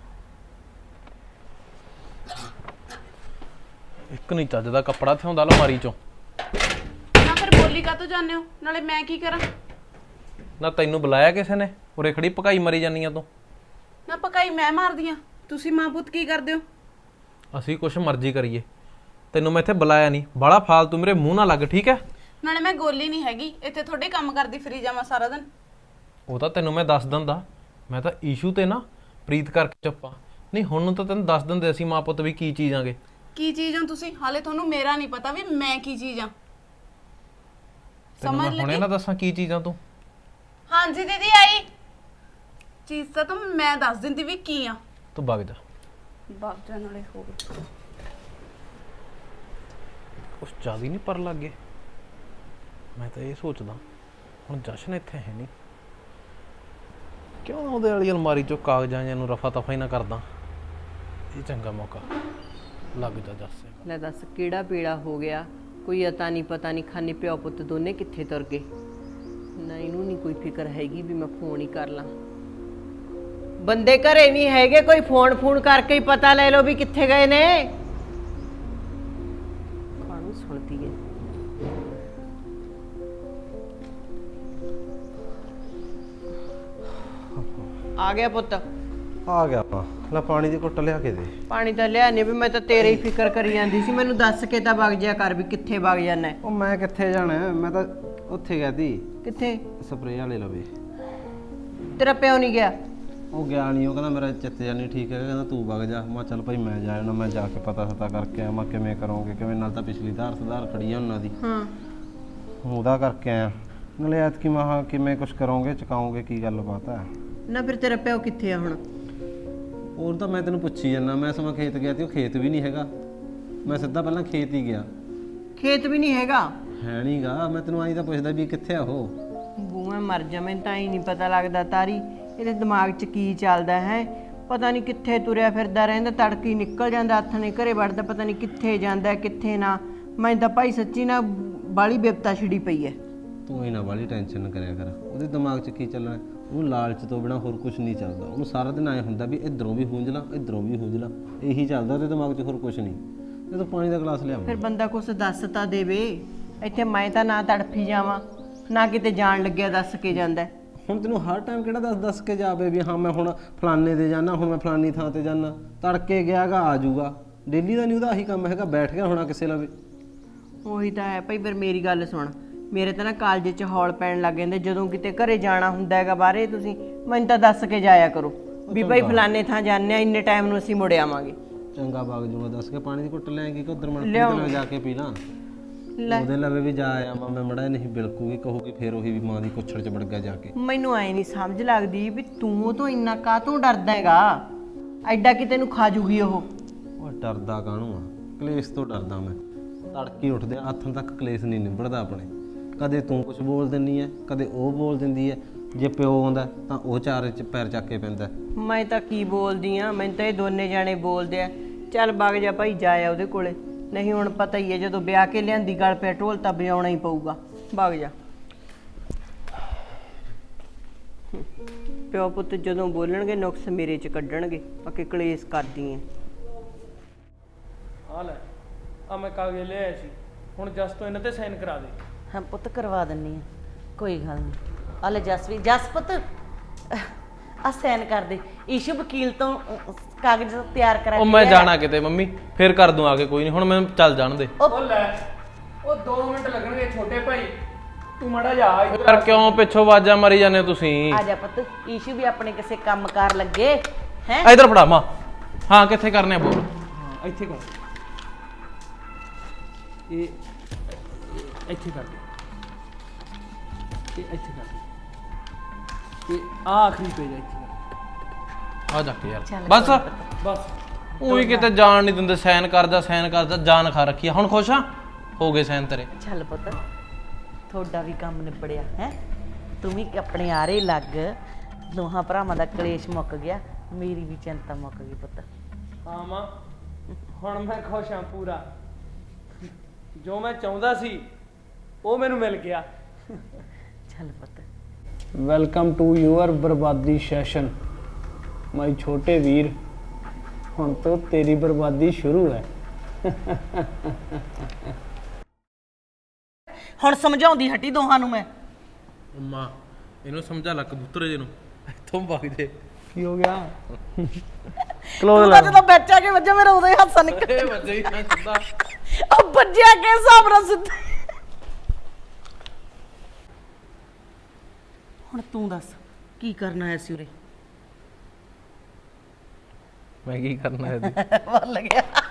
E: ਇੱਕ ਨਹੀਂ ਚੱਜ ਦਾ ਕੱਪੜਾ ਥਿਆਉਂਦਾ ਅਲਮਾਰੀ ਚੋਂ।
A: ਨਾ ਫਿਰ ਬੋਲੀ ਕਾਹਤੋਂ ਜਾਂਦੇ ਹੋ? ਨਾਲੇ ਮੈਂ ਕੀ ਕਰਾਂ?
E: ਨਾ ਤੈਨੂੰ ਬੁਲਾਇਆ ਕਿਸੇ ਨੇ? ਉਰੇ ਖੜੀ ਭਕਾਈ ਮਰੀ ਜਾਨੀ ਆ ਤੂੰ।
A: ਨਾ ਪਕਾਈ ਮੈਂ ਮਾਰਦੀ ਆ, ਤੁਸੀਂ ਮਾਂ ਪੁੱਤ ਕੀ ਕਰਦੇ ਹੋ?
E: ਅਸੀਂ ਕੁਛ ਮਰਜ਼ੀ ਕਰੀਏ, ਤੈਨੂੰ ਮੈਂ ਇੱਥੇ ਬੁਲਾਇਆ ਨਹੀਂ। ਬਾਲਾ ਫਾਲਤੂ ਮੇਰੇ ਮੂੰਹ ਨਾ ਲੱਗ, ਠੀਕ ਹੈ?
A: ਨਾਲੇ ਮੈਂ ਗੋਲੀ ਨਹੀਂ ਹੈਗੀ ਇੱਥੇ ਤੁਹਾਡੇ ਕੰਮ ਕਰਦੀ ਫਰੀ ਜਾਵਾਂ ਸਾਰਾ ਦਿਨ।
E: ਉਹ ਤਾਂ ਤੈਨੂੰ ਮੈਂ ਦੱਸ ਦਿੰਦਾ, ਮੈਂ ਤਾਂ ਈਸ਼ੂ ਤੇ ਨਾ ਪ੍ਰੀਤ ਕਰਕੇ ਚੁੱਪਾ। ਨਹੀਂ ਹੁਣ ਨੂੰ ਤਾਂ ਤੈਨੂੰ ਦੱਸ ਦਿੰਦੇ ਅਸੀਂ ਮਾਂ ਪੁੱਤ ਵੀ ਕੀ ਚੀਜ਼ ਆਂਗੇ।
A: ਕੀ ਚੀਜ਼ ਹੋ ਤੁਸੀਂ? ਹਾਲੇ ਤੁਹਾਨੂੰ ਮੇਰਾ ਨਹੀਂ ਪਤਾ ਵੀ ਮੈਂ ਕੀ ਚੀਜ਼ ਆ।
E: ਤੈਨੂੰ ਮੈਂ ਹੁਣੇ ਨਾ ਦੱਸਾਂ ਕੀ ਚੀਜ਼ਾਂ ਤੂੰ?
A: ਹਾਂਜੀ ਦੀਦੀ ਆਈ। ਚੀਜ਼ ਤਾਂ ਤੂੰ ਮੈਂ ਦੱਸ ਦਿੰਦੀ ਵੀ ਕੀ ਆ।
E: ਤੂੰ ਵਗ ਜਾ।
A: ਵਗ ਜਾ ਨਾਲੇ ਹੋ ਗਈ
E: ਕੁਛ ਜ਼ਿਆਦਾ ਹੀ ਨਹੀਂ ਪਰ ਲੱਗ ਗਏ। ਮੈਂ ਤਾਂ ਇਹ ਸੋਚਦਾ ਹੁਣ ਜਸ਼ਨ ਇੱਥੇ ਹੈ ਨਹੀਂ, ਕਿਉਂ ਉਹਦੇ ਵਾਲੀ ਅਲਮਾਰੀ ਚੋਂ ਕਾਗਜ਼ਾਂ ਜਿਹਨੂੰ ਰਫਾ ਤਫਾ ਹੀ ਨਾ ਕਰਦਾ। ਇਹ ਚੰਗਾ ਮੌਕਾ ਲੱਗ ਜਾ ਜੱਸੇ।
J: ਲੈ ਦੱਸ ਕਿਹੜਾ ਪੀੜਾ ਹੋ ਗਿਆ, ਕੋਈ ਅਤਾ ਨਹੀਂ ਪਤਾ ਨਹੀਂ, ਖਾਨੇ ਪਿਓ ਪੁੱਤ ਦੋਨੇ ਕਿੱਥੇ ਤੁਰ ਗਏ। ਨਾ ਇਹਨੂੰ ਨਹੀਂ ਕੋਈ ਫਿਕਰ ਹੈਗੀ ਵੀ ਮੈਂ ਫੋਨ ਹੀ ਕਰ ਲਾਂ। ਬੰਦੇ ਘਰੇ ਨਹੀਂ ਹੈਗੇ, ਕੋਈ ਫੋਨ ਕਰਕੇ ਹੀ ਪਤਾ ਲੈ ਲਓ ਵੀ ਕਿੱਥੇ ਗਏ ਨੇ। ਕਾਹਨੂੰ ਸੁਣਦੀ ਹੈ। ਆ ਗਿਆ ਪੁੱਤ।
H: ਆ ਗਿਆ ਆਪਾਂ। ਲੈ ਪਾਣੀ ਦੀ ਘੁੱਟ ਲਿਆ ਕੇ ਦੇ।
J: ਪਾਣੀ ਤਾਂ ਲਿਆ ਨਹੀਂ, ਵੀ ਮੈਂ ਤਾਂ ਤੇਰੇ ਹੀ ਫਿਕਰ ਕਰੀ ਜਾਂਦੀ ਸੀ। ਮੈਨੂੰ ਦੱਸ ਕੇ ਤਾਂ ਵਗ ਜਿਆ ਕਰ ਵੀ ਕਿੱਥੇ ਵਗ ਜਾਣਾ।
H: ਉਹ ਮੈਂ ਕਿੱਥੇ ਜਾਣਾ, ਮੈਂ ਤਾਂ ਉੱਥੇ ਗਿਆ ਤੀ
J: ਕਿੱਥੇ?
H: ਸਪਰੇਅ ਵਾਲੇ ਲਵੇ।
J: ਤੇਰਾ ਪਿਓ ਨਹੀਂ ਗਿਆ?
H: ਉਹ ਗਿਆ ਨਹੀਂ, ਉਹ ਕਹਿੰਦਾ ਮੇਰਾ ਚਿੱਤ ਜਾ ਨਹੀਂ ਠੀਕ ਹੈਗਾ, ਕਹਿੰਦਾ ਤੂੰ ਵਗ ਜਾ। ਮੈਂ ਚੱਲ ਭਾਈ ਮੈਂ ਜਾ ਜਾਣਾ, ਮੈਂ ਜਾ ਕੇ ਪਤਾ ਕਰਕੇ ਆਇਆ ਮੈਂ ਕਿਵੇਂ ਕਰੋਗੇ ਕਿਵੇਂ। ਨਾਲ ਤਾਂ ਪਿਛਲੀ ਸੁਧਾਰ ਖੜੀ ਆ ਉਹਨਾਂ ਦੀ।
J: ਹਾਂ
H: ਉਹਦਾ ਕਰਕੇ ਆਇਆ। ਨਾਲੇ ਐਤਕੀ ਮਹਾ ਕਿਵੇਂ ਕੁਛ ਕਰੋਗੇ ਚਕਾਓਗੇ, ਕੀ ਗੱਲਬਾਤ ਹੈ?
J: ਨਾ ਫਿਰ ਤੇਰਾ ਪਿਓ ਕਿੱਥੇ ਆ ਹੁਣ?
H: ਹੋਰ ਤਾਂ ਮੈਂ ਤੈਨੂੰ ਪੁੱਛੀ ਜਾਂਦਾ। ਮੈਂ ਸਮਾਂ ਖੇਤ ਗਿਆ ਤੇ ਉਹ ਖੇਤ ਵੀ ਨਹੀਂ ਹੈਗਾ। ਮੈਂ ਸਿੱਧਾ ਪਹਿਲਾਂ ਖੇਤ ਹੀ ਗਿਆ।
J: ਖੇਤ ਵੀ ਨਹੀਂ ਹੈਗਾ?
H: ਹੈ ਨਹੀਂਗਾ। ਮੈਂ ਤੈਨੂੰ ਆਈ ਤਾਂ ਪੁੱਛਦਾ ਵੀ ਕਿੱਥੇ ਆ ਉਹ।
J: ਬੂਵੇਂ ਮਰ ਜਾ, ਮੈਨੂੰ ਤਾਂ ਹੀ ਨਹੀਂ ਪਤਾ ਲੱਗਦਾ ਤਾਰੀ ਇਹਦੇ ਦਿਮਾਗ 'ਚ ਕੀ ਚੱਲਦਾ ਹੈ। ਪਤਾ ਨਹੀਂ ਕਿੱਥੇ ਤੁਰਿਆ ਫਿਰਦਾ ਰਹਿੰਦਾ, ਤੜਕੀ ਨਿਕਲ ਜਾਂਦਾ, ਹੱਥ ਨੇ ਘਰੇ ਵੜਦਾ, ਪਤਾ ਨਹੀਂ ਕਿੱਥੇ ਜਾਂਦਾ ਕਿੱਥੇ ਨਾ। ਮੈਂ ਤਾਂ ਭਾਈ ਸੱਚੀ ਨਾ ਬਾਲੀ ਬਿਪਤਾ ਛਿੜੀ ਪਈ ਹੈ।
H: ਤੂੰ ਇਹਨਾਂ ਵਾਲੀ ਟੈਨਸ਼ਨ ਨਾ ਕਰਿਆ ਕਰ। ਉਹਦੇ ਦਿਮਾਗ 'ਚ ਕੀ ਚੱਲਣਾ? ਉਹਨੂੰ ਲਾਲਚ ਤੋਂ ਬਿਨਾ ਹੋਰ ਕੁਝ ਨਹੀਂ ਚੱਲਦਾ। ਉਹਨੂੰ ਸਾਰਾ ਦਿਨ ਐਂ ਹੁੰਦਾ ਵੀ ਇੱਧਰੋਂ ਵੀ ਹੁੰਝ ਲਾਂ ਇੱਧਰੋਂ ਵੀ ਹੁੰਝ ਲਾਂ, ਇਹੀ ਚੱਲਦਾ ਉਹਦੇ ਦਿਮਾਗ 'ਚ, ਹੋਰ ਕੁਝ ਨਹੀਂ। ਤੇ ਤੂੰ ਪਾਣੀ ਦਾ ਗਲਾਸ ਲਿਆ।
J: ਫਿਰ ਬੰਦਾ ਕੁਛ ਦੱਸ ਤਾਂ ਦੇਵੇ। ਇੱਥੇ ਮੈਂ ਤਾਂ ਨਾ ਤੜਫੀ ਜਾਵਾਂ ਨਾ ਕਿਤੇ ਜਾਣ ਲੱਗਿਆ ਦੱਸ ਕੇ ਜਾਂਦਾ।
H: ਹੁਣ ਤੈਨੂੰ ਹਰ ਟਾਈਮ ਕਿਹੜਾ ਦੱਸ ਕੇ ਜਾਵੇ ਵੀ ਹਾਂ ਮੈਂ ਹੁਣ ਫਲਾਨੇ ਦੇ ਜਾਣਾ, ਹੁਣ ਮੈਂ ਫਲਾਨੀ ਥਾਂ ਤੇ ਜਾਣਾ। ਤੜਕੇ ਗਿਆਗਾ ਆ ਜਾਊਗਾ। ਡੇਲੀ ਦਾ ਨਹੀਂ ਉਹਦਾ ਆਹੀ ਕੰਮ ਹੈਗਾ, ਬੈਠ ਗਿਆ ਹੋਣਾ ਕਿਸੇ ਲਵੇ।
J: ਉਹੀ ਤਾਂ ਹੈ ਭਾਈ। ਫਿਰ ਮੇਰੀ ਗੱਲ ਸੁਣ, ਮੇਰੇ ਤਾਂ ਨਾ ਕਾਲਜ 'ਚ ਹੌਲ ਪੈਣ ਲੱਗ ਜਾਂਦੇ। ਜਦੋਂ ਕਿਤੇ ਘਰੇ ਜਾਣਾ ਹੁੰਦਾ ਹੈਗਾ ਬਾਹਰੇ, ਤੁਸੀਂ ਮੈਨੂੰ ਤਾਂ ਦੱਸ ਕੇ ਜਾਇਆ ਕਰੋ ਵੀ ਭਾਈ ਫਲਾਨੇ ਥਾਂ ਜਾਂਦੇ ਆ, ਇੰਨੇ ਟਾਈਮ ਨੂੰ ਅਸੀਂ ਮੁੜ ਆਵਾਂਗੇ।
H: ਚੰਗਾ ਬਾਗ ਜੂਗਾ ਦੱਸ ਕੇ। ਪਾਣੀ ਦੀ ਘੁੱਟ ਲੈਂਗੀ ਕਿ ਉਧਰ ਮਨ ਜਾ ਕੇ ਪੀ ਲਾਂ। ਉਹਦੇ ਲਵੇ ਵੀ ਜਾ ਆਇਆ ਮੈਂ ਮੜਾ ਨਹੀਂ ਬਿਲਕੂਗੀ, ਕਹੂਗੀ ਫੇਰ ਉਹੀ ਵੀ ਮਾਂ ਦੀ ਕੁੱਛੜ 'ਚ ਵੜ ਗਿਆ ਜਾ ਕੇ।
J: ਮੈਨੂੰ ਐ ਨਹੀਂ ਸਮਝ ਲੱਗਦੀ ਵੀ ਤੂੰ ਉਹ ਤੋਂ ਇੰਨਾ ਕਾਹਤੋਂ ਡਰਦਾ ਹੈਗਾ। ਐਡਾ ਕਿ ਤੈਨੂੰ ਖਾ ਜੂਗੀ ਉਹ।
H: ਉਹ ਡਰਦਾ ਕਾਹਨੂੰ ਆ? ਕਲੇਸ਼ ਤੋਂ ਡਰਦਾ ਮੈਂ। ਤੜਕੀ ਉੱਠਦੇ ਹੱਥਾਂ ਤੱਕ ਕਲੇਸ਼ ਨਹੀਂ ਨਿਬੜਦਾ ਆਪਣੇ। ਕਦੇ ਤੂੰ ਕੁਝ ਬੋਲ ਦਿੰਦੀ ਐ, ਕਦੇ ਉਹ ਬੋਲ ਦਿੰਦੀ ਐ। ਜੇ ਪਿਓ ਆਉਂਦਾ ਤਾਂ ਉਹ ਚਾਰੇ 'ਚ ਪੈਰ ਚੱਕ ਕੇ ਪੈਂਦਾ।
J: ਮੈਂ ਤਾਂ ਕੀ ਬੋਲਦੀ ਆ, ਮੈਨੂੰ ਤਾਂ ਇਹ ਦੋਨੇ ਜਾਣੇ ਬੋਲਦੇ ਆ। ਚੱਲ ਵਗ ਜਾ ਭਾਈ, ਜਾਇਆ ਉਹਦੇ ਕੋਲੇ। ਨਹੀਂ ਹੁਣ ਪਤਾ ਹੀ ਹੈ ਜਦੋਂ ਵਿਆਹ ਕੇ ਲਿਆਂਦੀ ਗਲ ਪਿਆ ਢੋਲ ਤਾਂ ਵਜਾਉਣਾ ਹੀ ਪਊਗਾ। ਵਗ ਜਾ। ਪਿਓ ਪੁੱਤ ਜਦੋਂ ਬੋਲਣਗੇ ਨੁਕਸ ਮੇਰੇ 'ਚ ਕੱਢਣਗੇ। ਅੱਕੇ ਕਲੇਸ਼ ਕਰਦੀ ਐ।
B: ਆ ਲੈ ਆ ਮੈਂ ਕਾਗਜ਼ ਲੈ ਆਇਆ ਸੀ, ਹੁਣ ਜਸ ਤੋਂ ਇਹਨਾਂ ਤੇ ਸਾਈਨ ਕਰਾ ਦੇ।
C: ਹਾਂ ਪੁੱਤ ਕਰਵਾ ਦਿੰਨੀ ਆ, ਕੋਈ ਗੱਲ ਨਹੀਂ। ਆ ਲੈ ਜਸਵੀ, ਜਸ ਪੁੱਤ ਆ ਸਾਈਨ ਕਰ ਦੇ। ਈਸ਼ੂ ਵਕੀਲ ਤੋਂ ਕਾਗਜ਼ ਤਿਆਰ ਕਰਾ
E: ਉਹ ਮੈਂ ਜਾਣਾ ਕਿਤੇ ਮੰਮੀ, ਫੇਰ ਕਰ ਦੂੰ ਆ ਕੇ, ਕੋਈ ਨਹੀਂ। ਹੁਣ ਮੈਨੂੰ ਚੱਲ ਜਾਣ ਦੇ।
B: ਉਹ ਲੈ ਉਹ 2 ਮਿੰਟ ਲੱਗਣਗੇ ਛੋਟੇ ਭਾਈ, ਤੂੰ ਮਾੜਾ ਜਾ।
E: ਯਾਰ ਕਿਉਂ ਪਿੱਛੋਂ ਆਵਾਜ਼ਾਂ ਮਾਰੀ ਜਾਂਦੇ ਹੋ ਤੁਸੀਂ?
C: ਆ ਜਾ ਪੁੱਤ, ਈਸ਼ੂ ਵੀ ਆਪਣੇ ਕਿਸੇ ਕੰਮ ਕਾਰ ਲੱਗੇ ਹੈ।
E: ਇਧਰ ਫੜਾ ਮਾਂ। ਹਾਂ ਕਿੱਥੇ ਕਰਨੇ ਆ ਬੋਲ।
B: ਹਾਂ ਇੱਥੇ ਕਰ, ਇਹ ਇੱਥੇ ਕਰ ਦੇ, ਇਹ ਇੱਥੇ ਕਰ ਦੇ, ਤੇ ਆਖਰੀ ਪੇਜ ਇੱਥੇ ਕਰ।
E: ਆ ਜਾ ਕੇ ਯਾਰ ਬਸ
B: ਬਸ
E: ਉਹੀ ਕਿਤੇ ਜਾਣ ਨਹੀਂ ਦਿੰਦੇ। ਸਾਈਨ ਕਰ ਜਾ ਸਾਈਨ ਕਰ ਜਾ, ਜਾਨ ਖਾ ਰੱਖੀ ਆ। ਹੁਣ ਖੁਸ਼ ਆ? ਹੋ ਗਏ ਸਾਈਨ ਤੇਰੇ।
C: ਚੱਲ ਪੁੱਤ, ਤੁਹਾਡਾ ਵੀ ਕੰਮ ਨਿਬੜਿਆ ਹੈ। ਤੂੰ ਵੀ ਆਪਣੇ ਆਰੇ ਲੱਗ। ਦੋਹਾਂ ਭਰਾਵਾਂ ਦਾ ਕਲੇਸ਼ ਮੁੱਕ ਗਿਆ, ਮੇਰੀ ਵੀ ਚਿੰਤਾ ਮੁੱਕ ਗਈ ਪੁੱਤ।
B: ਹਾਂ ਮਾਂ, ਹੁਣ ਮੈਂ ਖੁਸ਼ ਹਾਂ ਪੂਰਾ। ਜੋ ਮੈਂ ਚਾਹੁੰਦਾ ਸੀ ਉਹ ਮੈਨੂੰ ਮਿਲ ਗਿਆ।
C: ਚੱਲ ਪੁੱਤ।
B: ਵੈਲਕਮ ਟੂ ਯੂਅਰ ਬਰਬਾਦੀ ਸੈਸ਼ਨ ਮਾਈ ਛੋਟੇ ਵੀਰ। ਹੁਣ ਤੋਂ ਤੇਰੀ ਬਰਬਾਦੀ ਸ਼ੁਰੂ ਹੈ।
C: ਹੁਣ ਸਮਝਾਉਂਦੀ ਹਟੀ ਦੋਹਾਂ ਨੂੰ ਮੈਂ।
E: ਮਾਂ ਇਹਨੂੰ ਸਮਝਾ ਲੈ ਕਬੂਤਰ ਜੇ ਨੂੰ, ਇੱਥੋਂ ਵਗ ਜੇ।
B: ਕੀ ਹੋ ਗਿਆ?
C: ਤੂੰ ਤਾਂ ਜਦੋਂ ਵਿੱਚ ਆ ਕੇ ਵੱਜਾ ਮੇਰਾ ਉਦੋਂ ਹੀ ਹਾਸਾ ਨਿਕਲ।
E: ਇਹ ਵੱਜੇ ਹੀ ਨਾ ਸਿੱਧਾ।
C: ਉਹ ਵੱਜਿਆ ਕੇ ਹਿਸਾਬ ਨਾਲ ਸਿੱਧਾ। ਹੁਣ ਤੂੰ ਦੱਸ ਕੀ ਕਰਨਾ ਹੈ ਸੀ ਉਰੇ?
E: ਮੈਂ ਕੀ ਕਰਨਾ ਇਹਦੀ?
C: ਭੁੱਲ ਗਿਆ।